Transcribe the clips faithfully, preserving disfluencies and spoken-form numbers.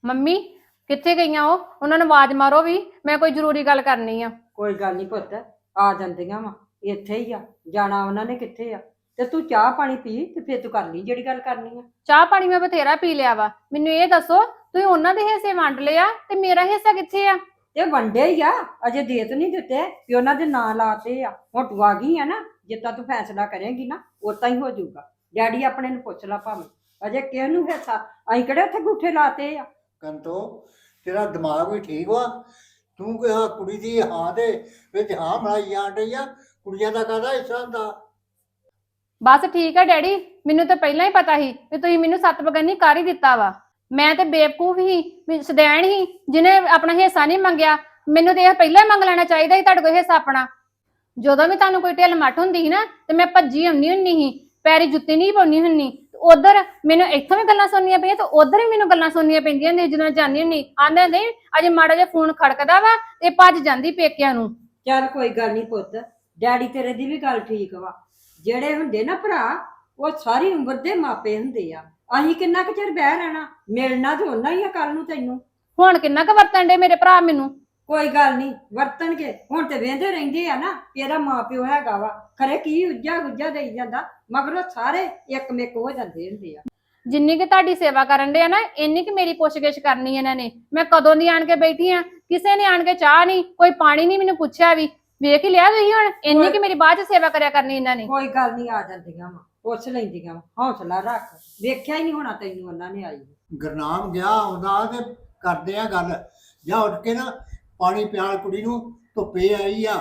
Mummy ਕਿੱਥੇ ਗਈਆਂ ਉਹ? ਉਹਨਾਂ ਨੂੰ ਆਵਾਜ਼ ਮਾਰੋ ਵੀ, ਮੈਂ ਕੋਈ ਜ਼ਰੂਰੀ ਗੱਲ ਕਰਨੀ ਆ। ਕੋਈ ਗੱਲ ਨਹੀਂ ਪੁੱਤ, ਆ ਜਾਂਦੀਆਂ ਵਾ, ਇੱਥੇ ਹੀ ਆ, ਜਾਣਾ ਉਹਨਾਂ ਨੇ ਕਿੱਥੇ ਆ। ਤੇ ਤੂੰ ਚਾਹ ਪਾਣੀ ਪੀ ਤੇ ਫਿਰ ਤੂੰ ਕਰ ਲਈ ਜਿਹੜੀ ਗੱਲ ਕਰਨੀ ਆ। ਚਾਹ ਪਾਣੀ ਮੈਂ ਬਥੇਰਾ ਪੀ ਲਿਆ ਵਾ, ਮੈਨੂੰ ਇਹ ਦੱਸੋ ਤੁਸੀਂ ਉਹਨਾਂ ਦੇ ਹਿੱਸੇ ਵੰਡ ਲਿਆ ਤੇ ਮੇਰਾ ਹਿੱਸਾ ਕਿੱਥੇ ਆ? ਤੇ ਵੰਡੇ ਹੀ ਆ, ਅਜੇ ਦੇ ਤੇ ਨਹੀਂ ਦਿੱਤੇ ਕਿ ਉਹਨਾਂ ਦੇ ਨਾਂ ਲਾਤੇ ਆ। ਹੁਣ ਤੂੰ ਆ ਗਈ ਆ ਨਾ, ਜਿੱਦਾਂ ਤੂੰ ਫੈਸਲਾ ਕਰੇਂਗੀ ਨਾ ਉਦਾਂ ਹੀ ਹੋ ਜਾਊਗਾ। ਡੈਡੀ ਆਪਣੇ ਨੂੰ ਪੁੱਛ ਲਾ ਭਾਵੇਂ, ਅਜੇ ਕਿਸ ਨੂੰ ਹਿੱਸਾ, ਅਸੀਂ ਕਿਹੜੇ ਉੱਥੇ ਗੂਠੇ ਲਾਤੇ ਆ। ਕੰਤੋ ਤੇਰਾ ਦਿਮਾਗ ਵੀ ਠੀਕ ਵਾ। ਤੂੰ ਕਿਹਾ ਕੁੜੀ ਦੀ ਹਾਂ ਦੇ ਵਿੱਚ ਹਾਂ ਬਣਾਈ ਜਾਣ ਡਈ ਆ। ਕੁੜੀਆਂ ਦਾ ਕਾਹਦਾ ਹਿੱਸਾ ਹੁੰਦਾ? ਬਸ ਠੀਕ ਆ ਡੈਡੀ, ਮੈਨੂੰ ਤਾਂ ਪਹਿਲਾਂ ਹੀ ਪਤਾ ਸੀ ਵੀ ਤੁਸੀਂ ਮੈਨੂੰ ਸੱਤ ਬਗਾਨੀ ਕਰ ਹੀ ਦਿੱਤਾ ਵਾ। ਮੈਂ ਤੇ ਬੇਵਕੂਫ ਹੀ, ਸਦੈਣ ਹੀ, ਜਿਹਨੇ ਆਪਣਾ ਹਿੱਸਾ ਨਹੀਂ ਮੰਗਿਆ। ਮੈਨੂੰ ਤੇ ਇਹ ਪਹਿਲਾਂ ਹੀ ਮੰਗ ਲੈਣਾ ਚਾਹੀਦਾ ਸੀ ਤੁਹਾਡੇ ਕੋਲ ਹਿੱਸਾ ਆਪਣਾ। ਜਦੋਂ ਵੀ ਤੁਹਾਨੂੰ ਕੋਈ ਢਿੱਲ ਮੱਠ ਹੁੰਦੀ ਸੀ ਨਾ ਤੇ ਮੈਂ ਭੱਜੀ ਆਉਣੀ ਹੁੰਨੀ ਸੀ, ਪੈਰੀ ਜੁੱਤੀ ਨਹੀਂ ਪਾਉਣੀ ਹੁੰਨੀ। ਉਧਰ ਮੈਨੂੰ ਇੱਥੋਂ ਵੀ ਗੱਲਾਂ ਸੁਣਨੀਆਂ ਪਈਆਂ ਤੇ ਉਧਰ ਵੀ ਮੈਨੂੰ ਗੱਲਾਂ ਸੁਣਨੀਆਂ ਪੈਂਦੀਆਂ ਨੇ। ਜਦੋਂ ਜਾਂਦੀ ਹੁੰਨੀ ਆਂਦੇ ਨਹੀਂ ਅਜੇ ਮਾੜਾ ਜਿਹਾ ਫੋਨ ਖੜਕਦਾ ਵਾ ਤੇ ਭੱਜ ਜਾਂਦੀ ਪੇਕਿਆਂ ਨੂੰ। ਚੱਲ ਕੋਈ ਗੱਲ ਨਹੀਂ ਪੁੱਤ, ਡੈਡੀ ਤੇਰੇ ਦੀ ਵੀ ਗੱਲ ਠੀਕ ਵਾ। ਜਿਹੜੇ ਹੁੰਦੇ ਨਾ ਭਰਾ, ਉਹ ਸਾਰੀ ਉਮਰ ਦੇ ਮਾਪੇ ਹੁੰਦੇ ਆ। ਅਸੀਂ ਕਿੰਨਾ ਕੁ ਚਿਰ ਬਹਿ ਰਹਿਣਾ, ਮਿਲਣਾ ਤੇ ਉਹਨਾਂ ਹੀ ਆ ਕੱਲ ਨੂੰ ਤੈਨੂੰ। ਹੁਣ ਕਿੰਨਾ ਕੁ ਵਰਤਣ ਡੇ ਮੇਰੇ ਭਰਾ ਮੈਨੂੰ? ਕੋਈ ਗੱਲ ਨਹੀਂ, ਵਰਤਣਗੇ। ਹੁਣ ਤੇ ਵੇਂਦੇ ਰਹਿੰਦੇ ਆ ਨਾ ਕਿ ਇਹਦਾ ਮਾਂ ਪਿਓ ਹੈਗਾ ਵਾ, ਖਰੇ ਕੀ ਉੱਜਾ ਗੁੱਜਾ ਦੇਈ ਜਾਂਦਾ, ਮਗਰੋਂ ਸਾਰੇ ਇੱਕ ਮਿੱਕ ਹੋ ਜਾਂਦੇ ਹੁੰਦੇ ਆ। ਜਿੰਨੀ ਕਿ ਤੁਹਾਡੀ ਸੇਵਾ ਕਰਨ ਦੇ ਆ ਨਾ, ਇੰਨੀ ਕਿ ਮੇਰੀ ਪੁੱਛਗਿੱਛ ਕਰਨੀ ਇਹਨਾਂ ਨੇ। ਮੈਂ ਕਦੋਂ ਦੀ ਆਣ ਕੇ ਬੈਠੀ ਆ, ਕਿਸੇ ਨੇ ਆਣ ਕੇ ਚਾਹ ਨਹੀਂ, ਕੋਈ ਪਾਣੀ ਨਹੀਂ ਮੈਨੂੰ ਪੁੱਛਿਆ ਵੀ। ਵੇਖ ਹੀ ਲਿਆ ਤੁਸੀਂ ਹੁਣ, ਇੰਨੀ ਕਿ ਮੇਰੀ ਬਾਅਦ ਚ ਸੇਵਾ ਕਰਿਆ ਕਰਨੀ ਇਹਨਾਂ ਨੇ। ਕੋਈ ਗੱਲ ਨਹੀਂ, ਆ ਜਾਂਦੀਆਂ ਵਾ, ਪੁੱਛ ਲੈਂਦੀਆਂ ਵਾ। ਹੌਸਲਾ ਰੱਖ, ਵੇਖਿਆ ਹੀ ਨਹੀਂ ਹੋਣਾ ਤੈਨੂੰ ਉਹਨਾਂ ਨੇ ਆਈ। ਗੁਰਨਾਮ ਗਿਆ ਆਉਂਦਾ ਤੇ ਕਰਦੇ ਆ ਗੱਲ। ਜਾਂ ਉੱਠ ਕੇ ਨਾ ਪਾਣੀ ਪਿਆਲ ਕੁੜੀ ਨੂੰ, ਧੁੱਪੇ ਆਈ ਆ।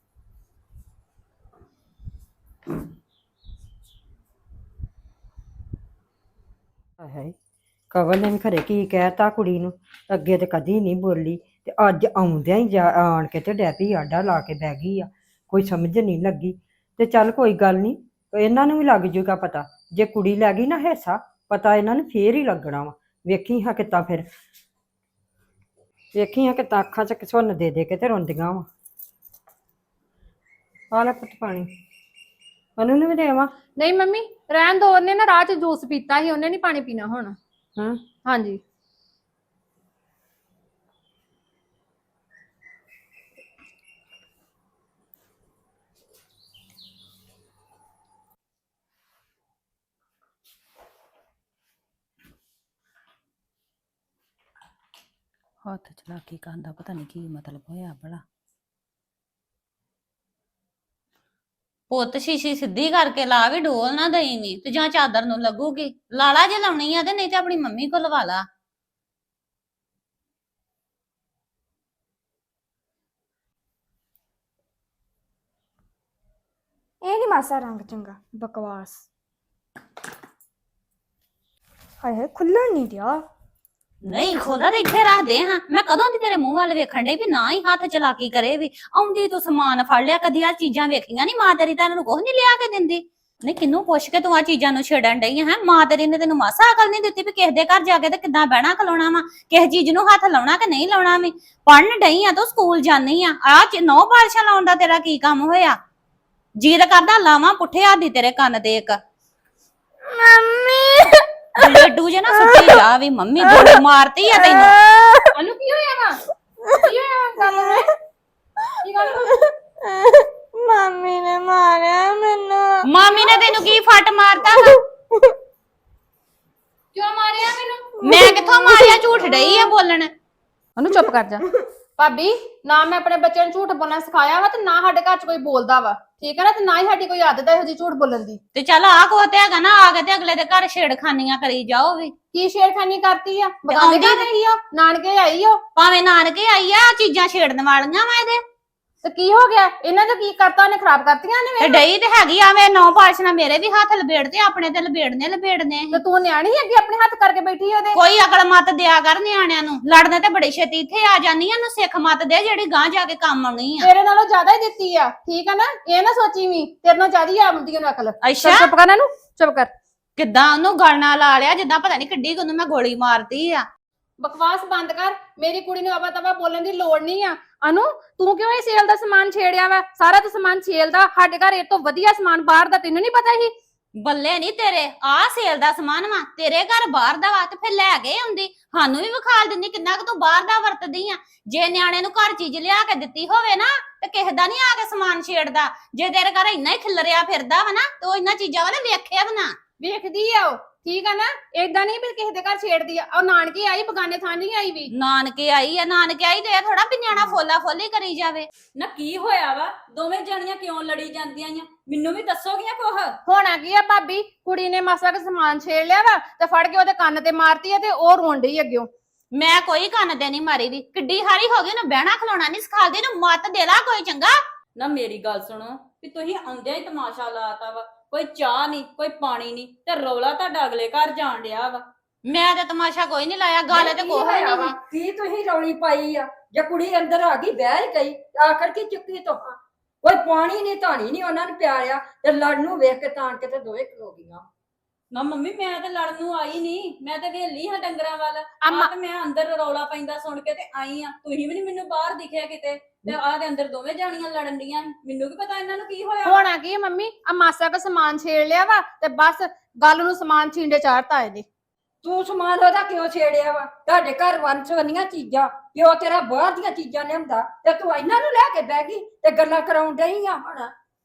ਹੈ ਕਵਲ ਨੇ ਵੀ ਖਰੇ ਕੀ ਕਹਿਤਾ ਕੁੜੀ ਨੂੰ, ਅੱਗੇ ਤੇ ਕਦੀ ਨਹੀਂ ਬੋਲੀ ਤੇ ਅੱਜ ਆਉਂਦਿਆਂ ਹੀ ਜਾ ਆਣ ਕੇ ਤੇ ਡੈਪੀ ਆਡਾ ਲਾ ਕੇ ਬਹਿ ਗਈ ਆ। ਕੋਈ ਸਮਝ ਨਹੀਂ ਲੱਗੀ। ਤੇ ਚੱਲ ਕੋਈ ਗੱਲ ਨਹੀਂ, ਇਹਨਾਂ ਨੂੰ ਵੀ ਲੱਗ ਜੂਗਾ ਪਤਾ। ਜੇ ਕੁੜੀ ਲੈ ਗਈ ਨਾ ਹਿੱਸਾ, ਪਤਾ ਇਹਨਾਂ ਨੂੰ ਫੇਰ ਹੀ ਲੱਗਣਾ ਵਾ। ਵੇਖੀ ਹਾਂ ਕਿੱਦਾਂ ਫਿਰ, ਵੇਖੀ ਹਾਂ ਕਿੱਦਾਂ ਅੱਖਾਂ 'ਚ ਸੁੰਨ ਦੇ ਦੇ ਕੇ ਤੇ ਰੋਂਦੀਆਂ ਵਾ। ਆ ਲੈ ਪੁੱਤ ਪਾਣੀ, ਉਹਨੂੰ ਨੂੰ ਵੀ ਦੇਵਾਂ? ਨਹੀਂ ਮੰਮੀ ਰਹਿਣ ਦੋ, ਉਹਨੇ ਨਾ ਰਾਹ ਚ ਜੂਸ ਪੀਤਾ ਸੀ, ਉਹਨੇ ਨਹੀਂ ਪਾਣੀ ਪੀਣਾ ਹੁਣ। ਹਾਂ ਹਾਂਜੀ ਹੱਥ ਚਲਾਕੀ ਕਰਨ ਦਾ ਪਤਾ ਨਹੀਂ ਕੀ ਮਤਲਬ ਹੋਇਆ ਭਲਾ। ਪੁੱਤ ਸ਼ੀਸ਼ੀ ਸਿੱਧੀ ਕਰਕੇ ਲਾ, ਵੀ ਡੋਲ ਨਾ ਦਈ ਨੀ ਤੇ ਜਾਂ ਚਾਦਰ ਨੂੰ ਲੱਗੂਗੀ। ਲਾਲਾ ਜੇ ਲਾਉਣੀ ਆ ਤੇ ਨਹੀਂ ਤੇ ਆਪਣੀ ਮੰਮੀ ਕੋਲ ਲਵਾ ਲਾ। ਇਹ ਨੀ ਮਾਸਾ ਰੰਗ ਚੰਗਾ, ਬਕਵਾਸ। ਹਾਏ ਹਾਏ ਖੁੱਲਣ ਨਹੀਂ ਦਿਆ। ਨਹੀਂ ਖੋਲਾ ਤੇ ਇੱਥੇ ਰੱਖ ਦੇ ਹਾਂ। ਮੈਂ ਕਦੋਂ ਦੀ ਤੇਰੇ ਮੂੰਹ ਵੱਲ ਵੇਖਣ ਡਈ ਵੀ ਨਾ ਹੀ ਹੱਥ ਚਲਾਕੀ ਕਰੇ। ਵੀ ਆਉਂਦੀ ਤੂੰ ਸਮਾਨ ਫੜ ਲਿਆ, ਕਦੀ ਆ ਚੀਜ਼ਾਂ ਵੇਖੀਆਂ ਨਹੀਂ। ਮਾਂ ਤੇਰੀ ਤਾਂ ਇਹਨੂੰ ਕੁਝ ਨਹੀਂ ਲਿਆ ਕੇ ਦਿੰਦੀ। ਨਹੀਂ ਕਿਹਨੂੰ ਪੁੱਛ ਕੇ ਤੂੰ ਆ ਚੀਜ਼ਾਂ ਨੂੰ ਛੇੜਨ ਡਈ ਹੈ? ਮਾਂ ਤੇਰੀ ਨੇ ਤੈਨੂੰ ਮਾਸਾ ਅਕਲ ਨਹੀਂ ਦਿੱਤੀ ਵੀ ਕਿਸੇ ਦੇ ਘਰ ਜਾ ਕੇ ਤੇ ਕਿੱਦਾਂ ਬਹਿਣਾ ਖਲੋਣਾ ਵਾ, ਕਿਸੇ ਚੀਜ਼ ਨੂੰ ਹੱਥ ਲਾਉਣਾ ਕਿ ਨਹੀਂ ਲਾਉਣਾ। ਵੀ ਪੜਨ ਡਈ ਆ ਤੂੰ, ਸਕੂਲ ਜਾਨੀ ਆ, ਆ ਨੌ ਬਾਰਿਸ਼ਾਂ ਲਾਉਣ ਦਾ ਤੇਰਾ ਕੀ ਕੰਮ ਹੋਇਆ? ਜੀਦ ਕਰਦਾ ਲਾਵਾਂ ਪੁੱਠੇ ਹੱਥ ਦੀ ਤੇਰੇ ਕੰਨ ਤੇ ਇੱਕ। ਮੰਮੀ ਲੱਡੂ ਜੇ ਨਾ ਸੁੱਟੀ ਜਾ ਵੀ ਮੰਮੀ ਗੋਲੀ ਮਾਰਤੀ ਆ ਤੈਨੂੰ। ਅਨੂ ਕੀ ਹੋਇਆ ਵਾ? ਕੀ ਹੋਇਆ ਗੱਲ ਹੈ? ਕੀ ਗੱਲ ਮੰਮੀ ਨੇ ਮਾਰਿਆ ਮੈਨੂੰ। ਮਾਮੀ ਨੇ ਤੈਨੂੰ ਕੀ ਫੱਟ ਮਾਰਤਾ ਵਾ? ਕਿਉਂ ਮਾਰਿਆ ਮੈਨੂੰ? ਮੈਂ ਕਿੱਥੋਂ ਮਾਰਿਆ? ਝੂਠ ਡਈ ਆ ਬੋਲਣ। ਉਹਨੂੰ ਚੁੱਪ ਕਰ ਜਾ। ਭਾਬੀ ਨਾ ਮੈਂ ਆਪਣੇ ਬੱਚਿਆਂ ਨੂੰ ਝੂਠ ਬੋਲਣਾ ਸਿਖਾਇਆ ਵਾ ਤੇ ਨਾ ਸਾਡੇ ਘਰ ਚ ਕੋਈ ਬੋਲਦਾ ਵਾ, ਠੀਕ ਹੈ ਨਾ? ਤੇ ਨਾ ਹੀ ਸਾਡੀ ਕੋਈ ਆਦਤ ਹੈ ਇਹੋ ਜਿਹੀ ਝੂਠ ਬੋਲਣ ਦੀ। ਤੇ ਚੱਲ ਆ ਕੋ ਤੇ ਹੈਗਾ ਨਾ, ਆ ਕੇ ਤੇ ਅਗਲੇ ਦੇ ਘਰ ਛੇੜਖਾਨੀਆਂ ਕਰੀ ਜਾਓ। ਵੀ ਕੀ ਛੇੜਖਾਨੀ ਕਰਤੀ ਆ? ਆਉਂਦੀ ਬਤਾਉਂਦੀ ਨਹੀਂ ਆ, ਨਾਨਕੇ ਆਈ ਓ ਭਾਵੇਂ ਨਾਨਕੇ ਆਈ ਆ, ਚੀਜ਼ਾਂ ਛੇੜਨ ਵਾਲੀਆਂ ਵਾ ਇਹਦੇ। ਤੇ ਕੀ ਹੋ ਗਿਆ? ਇਹਨਾਂ ਦਾ ਕੀ ਕਰਤਾ? ਉਹਨੇ ਖਰਾਬ ਕਰਤੀਆਂ ਨੇ। ਤੇ ਡਈ ਤੇ ਹੈਗੀ ਆ ਵੇ ਨੌ ਪਾਸ਼ਨਾ ਮੇਰੇ ਵੀ ਹੱਥ ਲਬੇੜਦੇ, ਆਪਣੇ ਤੇ ਲਬੇੜਨੇ ਲਬੇੜਨੇ। ਤੇ ਤੂੰ ਨਿਆਣੀ ਅੱਗੇ ਆਪਣੇ ਹੱਥ ਕਰਕੇ ਬੈਠੀ ਉਹਦੇ। ਕੋਈ ਅਕਲ ਮਤ ਦਿਆ ਕਰ ਨਿਆਣਿਆਂ ਨੂੰ। ਲੜਨੇ ਤੇ ਬੜੀ ਛੇਤੀ ਇੱਥੇ ਆ ਜਾਨੀ ਆ। ਨੂੰ ਸਿੱਖ ਮਤ ਦੇ ਜਿਹੜੀ ਗਾਂ ਜਾ ਕੇ ਕੰਮ ਆਉਣੀ ਆ। ਤੇਰੇ ਨਾਲੋਂ ਜ਼ਿਆਦਾ ਹੀ ਦਿੱਤੀ ਆ, ਠੀਕ ਆ ਨਾ? ਇਹ ਨਾ ਸੋਚੀ ਵੀ ਤੇਰੇ ਨਾਲ ਜ਼ਿਆਦਾ ਹੀ ਆਉਂਦੀ ਉਹਨੂੰ ਅਕਲ। ਅੱਛਾ ਚੁੱਪ ਕਰ ਇਹਨੂੰ, ਚੁੱਪ ਕਰ। ਕਿੱਦਾਂ ਉਹਨੂੰ ਗਲ ਨਾਲ ਲਾ ਲਿਆ ਜਿੱਦਾਂ ਪਤਾ ਨਹੀਂ ਕਿੱਡੀ ਉਹਨੂੰ ਮੈਂ ਗੋਲੀ ਮਾਰਤੀ ਆ। ਬਕਵਾਸ ਬੰਦ ਕਰ। ਮੇਰੀ ਕੁੜੀ ਨੂੰ ਆਵਾ ਤਵਾ ਬੋਲਣ ਦੀ ਲੋੜ ਨਹੀਂ ਆ। ਅਨੂ ਤੂੰ ਕਿਉਂ ਇਹ ਸੇਲ ਦਾ ਸਮਾਨ ਛੇੜਿਆ ਵਾ? ਸਾਰਾ ਤਾਂ ਸਮਾਨ ਸੇਲ ਦਾ, ਸਾਡੇ ਘਰ ਇਹ ਤੋਂ ਵਧੀਆ ਸਮਾਨ ਬਾਹਰ ਦਾ ਤੈਨੂੰ ਨਹੀਂ ਪਤਾ ਸੀ? ਬੱਲੇ ਨਹੀਂ ਤੇਰੇ ਆ ਸੇਲ ਦਾ ਸਮਾਨ ਵਾ ਤੇਰੇ ਘਰ ਬਾਹਰ ਦਾ ਵਾ ਤੇ ਫਿਰ ਲੈ ਕੇ ਆਉਂਦੀ ਸਾਨੂੰ ਵੀ ਵਿਖਾਲ ਦਿੰਦੀ ਕਿੰਨਾ ਕੁ ਤੂੰ ਬਾਹਰ ਦਾ ਵਰਤਦੀ ਆ ਜੇ ਨਿਆਣੇ ਨੂੰ ਘਰ ਚੀਜ਼ ਲਿਆ ਕੇ ਦਿੱਤੀ ਹੋਵੇ ਨਾ ਤੇ ਕਿਸੇ ਦਾ ਨਹੀਂ ਆ ਕੇ ਸਮਾਨ ਛੇੜਦਾ ਜੇ ਤੇਰੇ ਘਰ ਇੰਨਾ ਹੀ ਖਿਲਰਿਆ ਫਿਰਦਾ ਵਾ ਨਾ ਤੇ ਉਹ ਇੰਨਾ ਚੀਜ਼ਾਂ ਵਾ ਨਾ ਵੇਖਿਆ ਵੀ ਨਾ ਵੇਖਦੀ ਆ ਉਹ ਠੀਕ ਆ ਨਾ ਏਦਾਂ ਨਹੀਂ ਵੀ ਕਿਸੇ ਦੇ ਘਰ ਛੇੜਦੀ ਆ ਉਹ ਨਾਨਕੀ ਆਈ ਬਗਾਨੇ ਥਾਂ ਨਹੀਂ ਆਈ ਵੀ ਨਾਨਕੇ ਆਈ ਆ ਨਾਨਕੇ ਆਈ ਤੇ ਇਹ ਥੋੜਾ ਵੀ ਨਿਆਣਾ ਫੋਲਾ ਫੋਲੀ ਕਰੀ ਜਾਵੇ ਨਾ ਕੀ ਹੋਇਆ ਵਾ ਦੋਵੇਂ ਜਾਣੀਆਂ ਕਿਉਂ ਲੜੀ ਜਾਂਦੀਆਂ ਆ ਮੈਨੂੰ ਵੀ ਦੱਸੋਗੀਆਂ ਕੁਛ ਹੋਣਾ ਕੀ ਆ ਭਾਬੀ ਕੁੜੀ ਨੇ ਮਾਸਾ ਕੁ ਸਮਾਨ ਛੇੜ ਲਿਆ ਵਾ ਤੇ ਫੜ ਕੇ ਉਹਦੇ ਕੰਨ ਤੇ ਮਾਰਤੀ ਆ ਤੇ ਉਹ ਰੋਣ ਡਈ ਅੱਗਿਓ ਮੈਂ ਕੋਈ ਕੰਨ ਤੇ ਨਹੀਂ ਮਾਰੀ ਦੀ ਕਿੱਡੀ ਹਾਰੀ ਹੋ ਗਈ ਨੂੰ ਬਹਿਣਾ ਖਲੋਣਾ ਨਹੀਂ ਸਿਖਾਲਦੀ ਨੂੰ ਮੱਤ ਦੇ ਲਾ ਕੋਈ ਚੰਗਾ ਨਾ ਮੇਰੀ ਗੱਲ ਸੁਣੋ ਵੀ ਤੁਸੀਂ ਆਉਂਦਿਆਂ ਹੀ ਤਮਾਸ਼ਾ ਲਾਤਾ ਵਾ ਕੋਈ ਚਾਹ ਨਹੀਂ ਕੋਈ ਪਾਣੀ ਨਹੀਂ ਤੇ ਰੌਲਾ ਤੁਹਾਡਾ ਅਗਲੇ ਘਰ ਜਾਣ ਡਿਆ ਵਾ ਮੈਂ ਤੇ ਤਮਾਸ਼ਾ ਕੋਈ ਨਹੀਂ ਲਾਇਆ ਗੱਲ ਤੇ ਕੋਈ ਹੋਇਆ ਨਹੀਂ ਵਾ? ਕੀ ਤੁਸੀਂ ਰੌਲੀ ਪਾਈ ਆ ਜੇ ਕੁੜੀ ਅੰਦਰ ਆ ਗਈ ਬਹਿ ਹੀ ਗਈ ਆਖਰ ਕੀ ਚੁੱਕੀ ਤੋਹਾਂ ਕੋਈ ਪਾਣੀ ਨਹੀਂ ਧਾਣੀ ਨਹੀਂ ਉਹਨਾਂ ਨੂੰ ਪਿਆਰਿਆ ਤੇ ਲੜ ਨੂੰ ਵੇਖ ਕੇ ਤਾਣ ਕੇ ਤੇ ਦੋਵੇਂ ਖਲੋ ਗਈਆਂ ਨਾ ਮੰਮੀ ਮੈਂ ਤੇ ਲੜਨ ਨੂੰ ਆਈ ਨਹੀਂ ਮੈਂ ਤੇ ਵੇਲੀ ਹਾਂ ਡੰਗਰਾਂ ਵੱਲ ਅੰਮਾ- ਆ ਤੇ ਮੈਂ ਅੰਦਰ ਰੌਲਾ ਪੈਂਦਾ ਸੁਣ ਕੇ ਤੇ ਆਈ ਆ ਤੁਸੀਂ ਵੀ ਨਹੀਂ ਮੈਨੂੰ ਬਾਹਰ ਦਿਖਿਆ ਕਿਤੇ ਤੇ ਆਹ ਦੇ ਅੰਦਰ ਦੋਵੇਂ ਜਾਣੀਆਂ ਲੜਨ ਡੀਆਂ ਮੈਨੂੰ ਕੀ ਪਤਾ ਇਹਨਾਂ ਨੂੰ ਕੀ ਹੋਇਆ ਵਾ। ਹੋਣਾ ਕੀ ਆ ਮੰਮੀ ਆ ਮਾਸਾ ਕੁ ਸਮਾਨ ਛੇੜ ਲਿਆ ਵਾ ਤੇ ਬਸ ਗੱਲ ਨੂੰ ਸਮਾਨ ਛਿੰਡੇ ਚਾੜਤਾ ਇਹਦੇ ਤੂੰ ਸਮਾਨ ਉਹਦਾ ਕਿਉਂ ਛੇੜਿਆ ਵਾ ਤੁਹਾਡੇ ਘਰ ਵੰਸਵੰਨੀਆਂ ਚੀਜ਼ਾਂ ਪਿਓ ਤੇਰਾ ਬਾਹਰ ਦੀਆਂ ਚੀਜ਼ਾਂ ਲਿਆਉਂਦਾ ਤੇ ਤੂੰ ਇਹਨਾਂ ਨੂੰ ਲੈ ਕੇ ਬਹਿ ਗਈ ਤੇ ਗੱਲਾਂ ਕਰਾਉਣ ਡਈ ਆ ਹੁਣ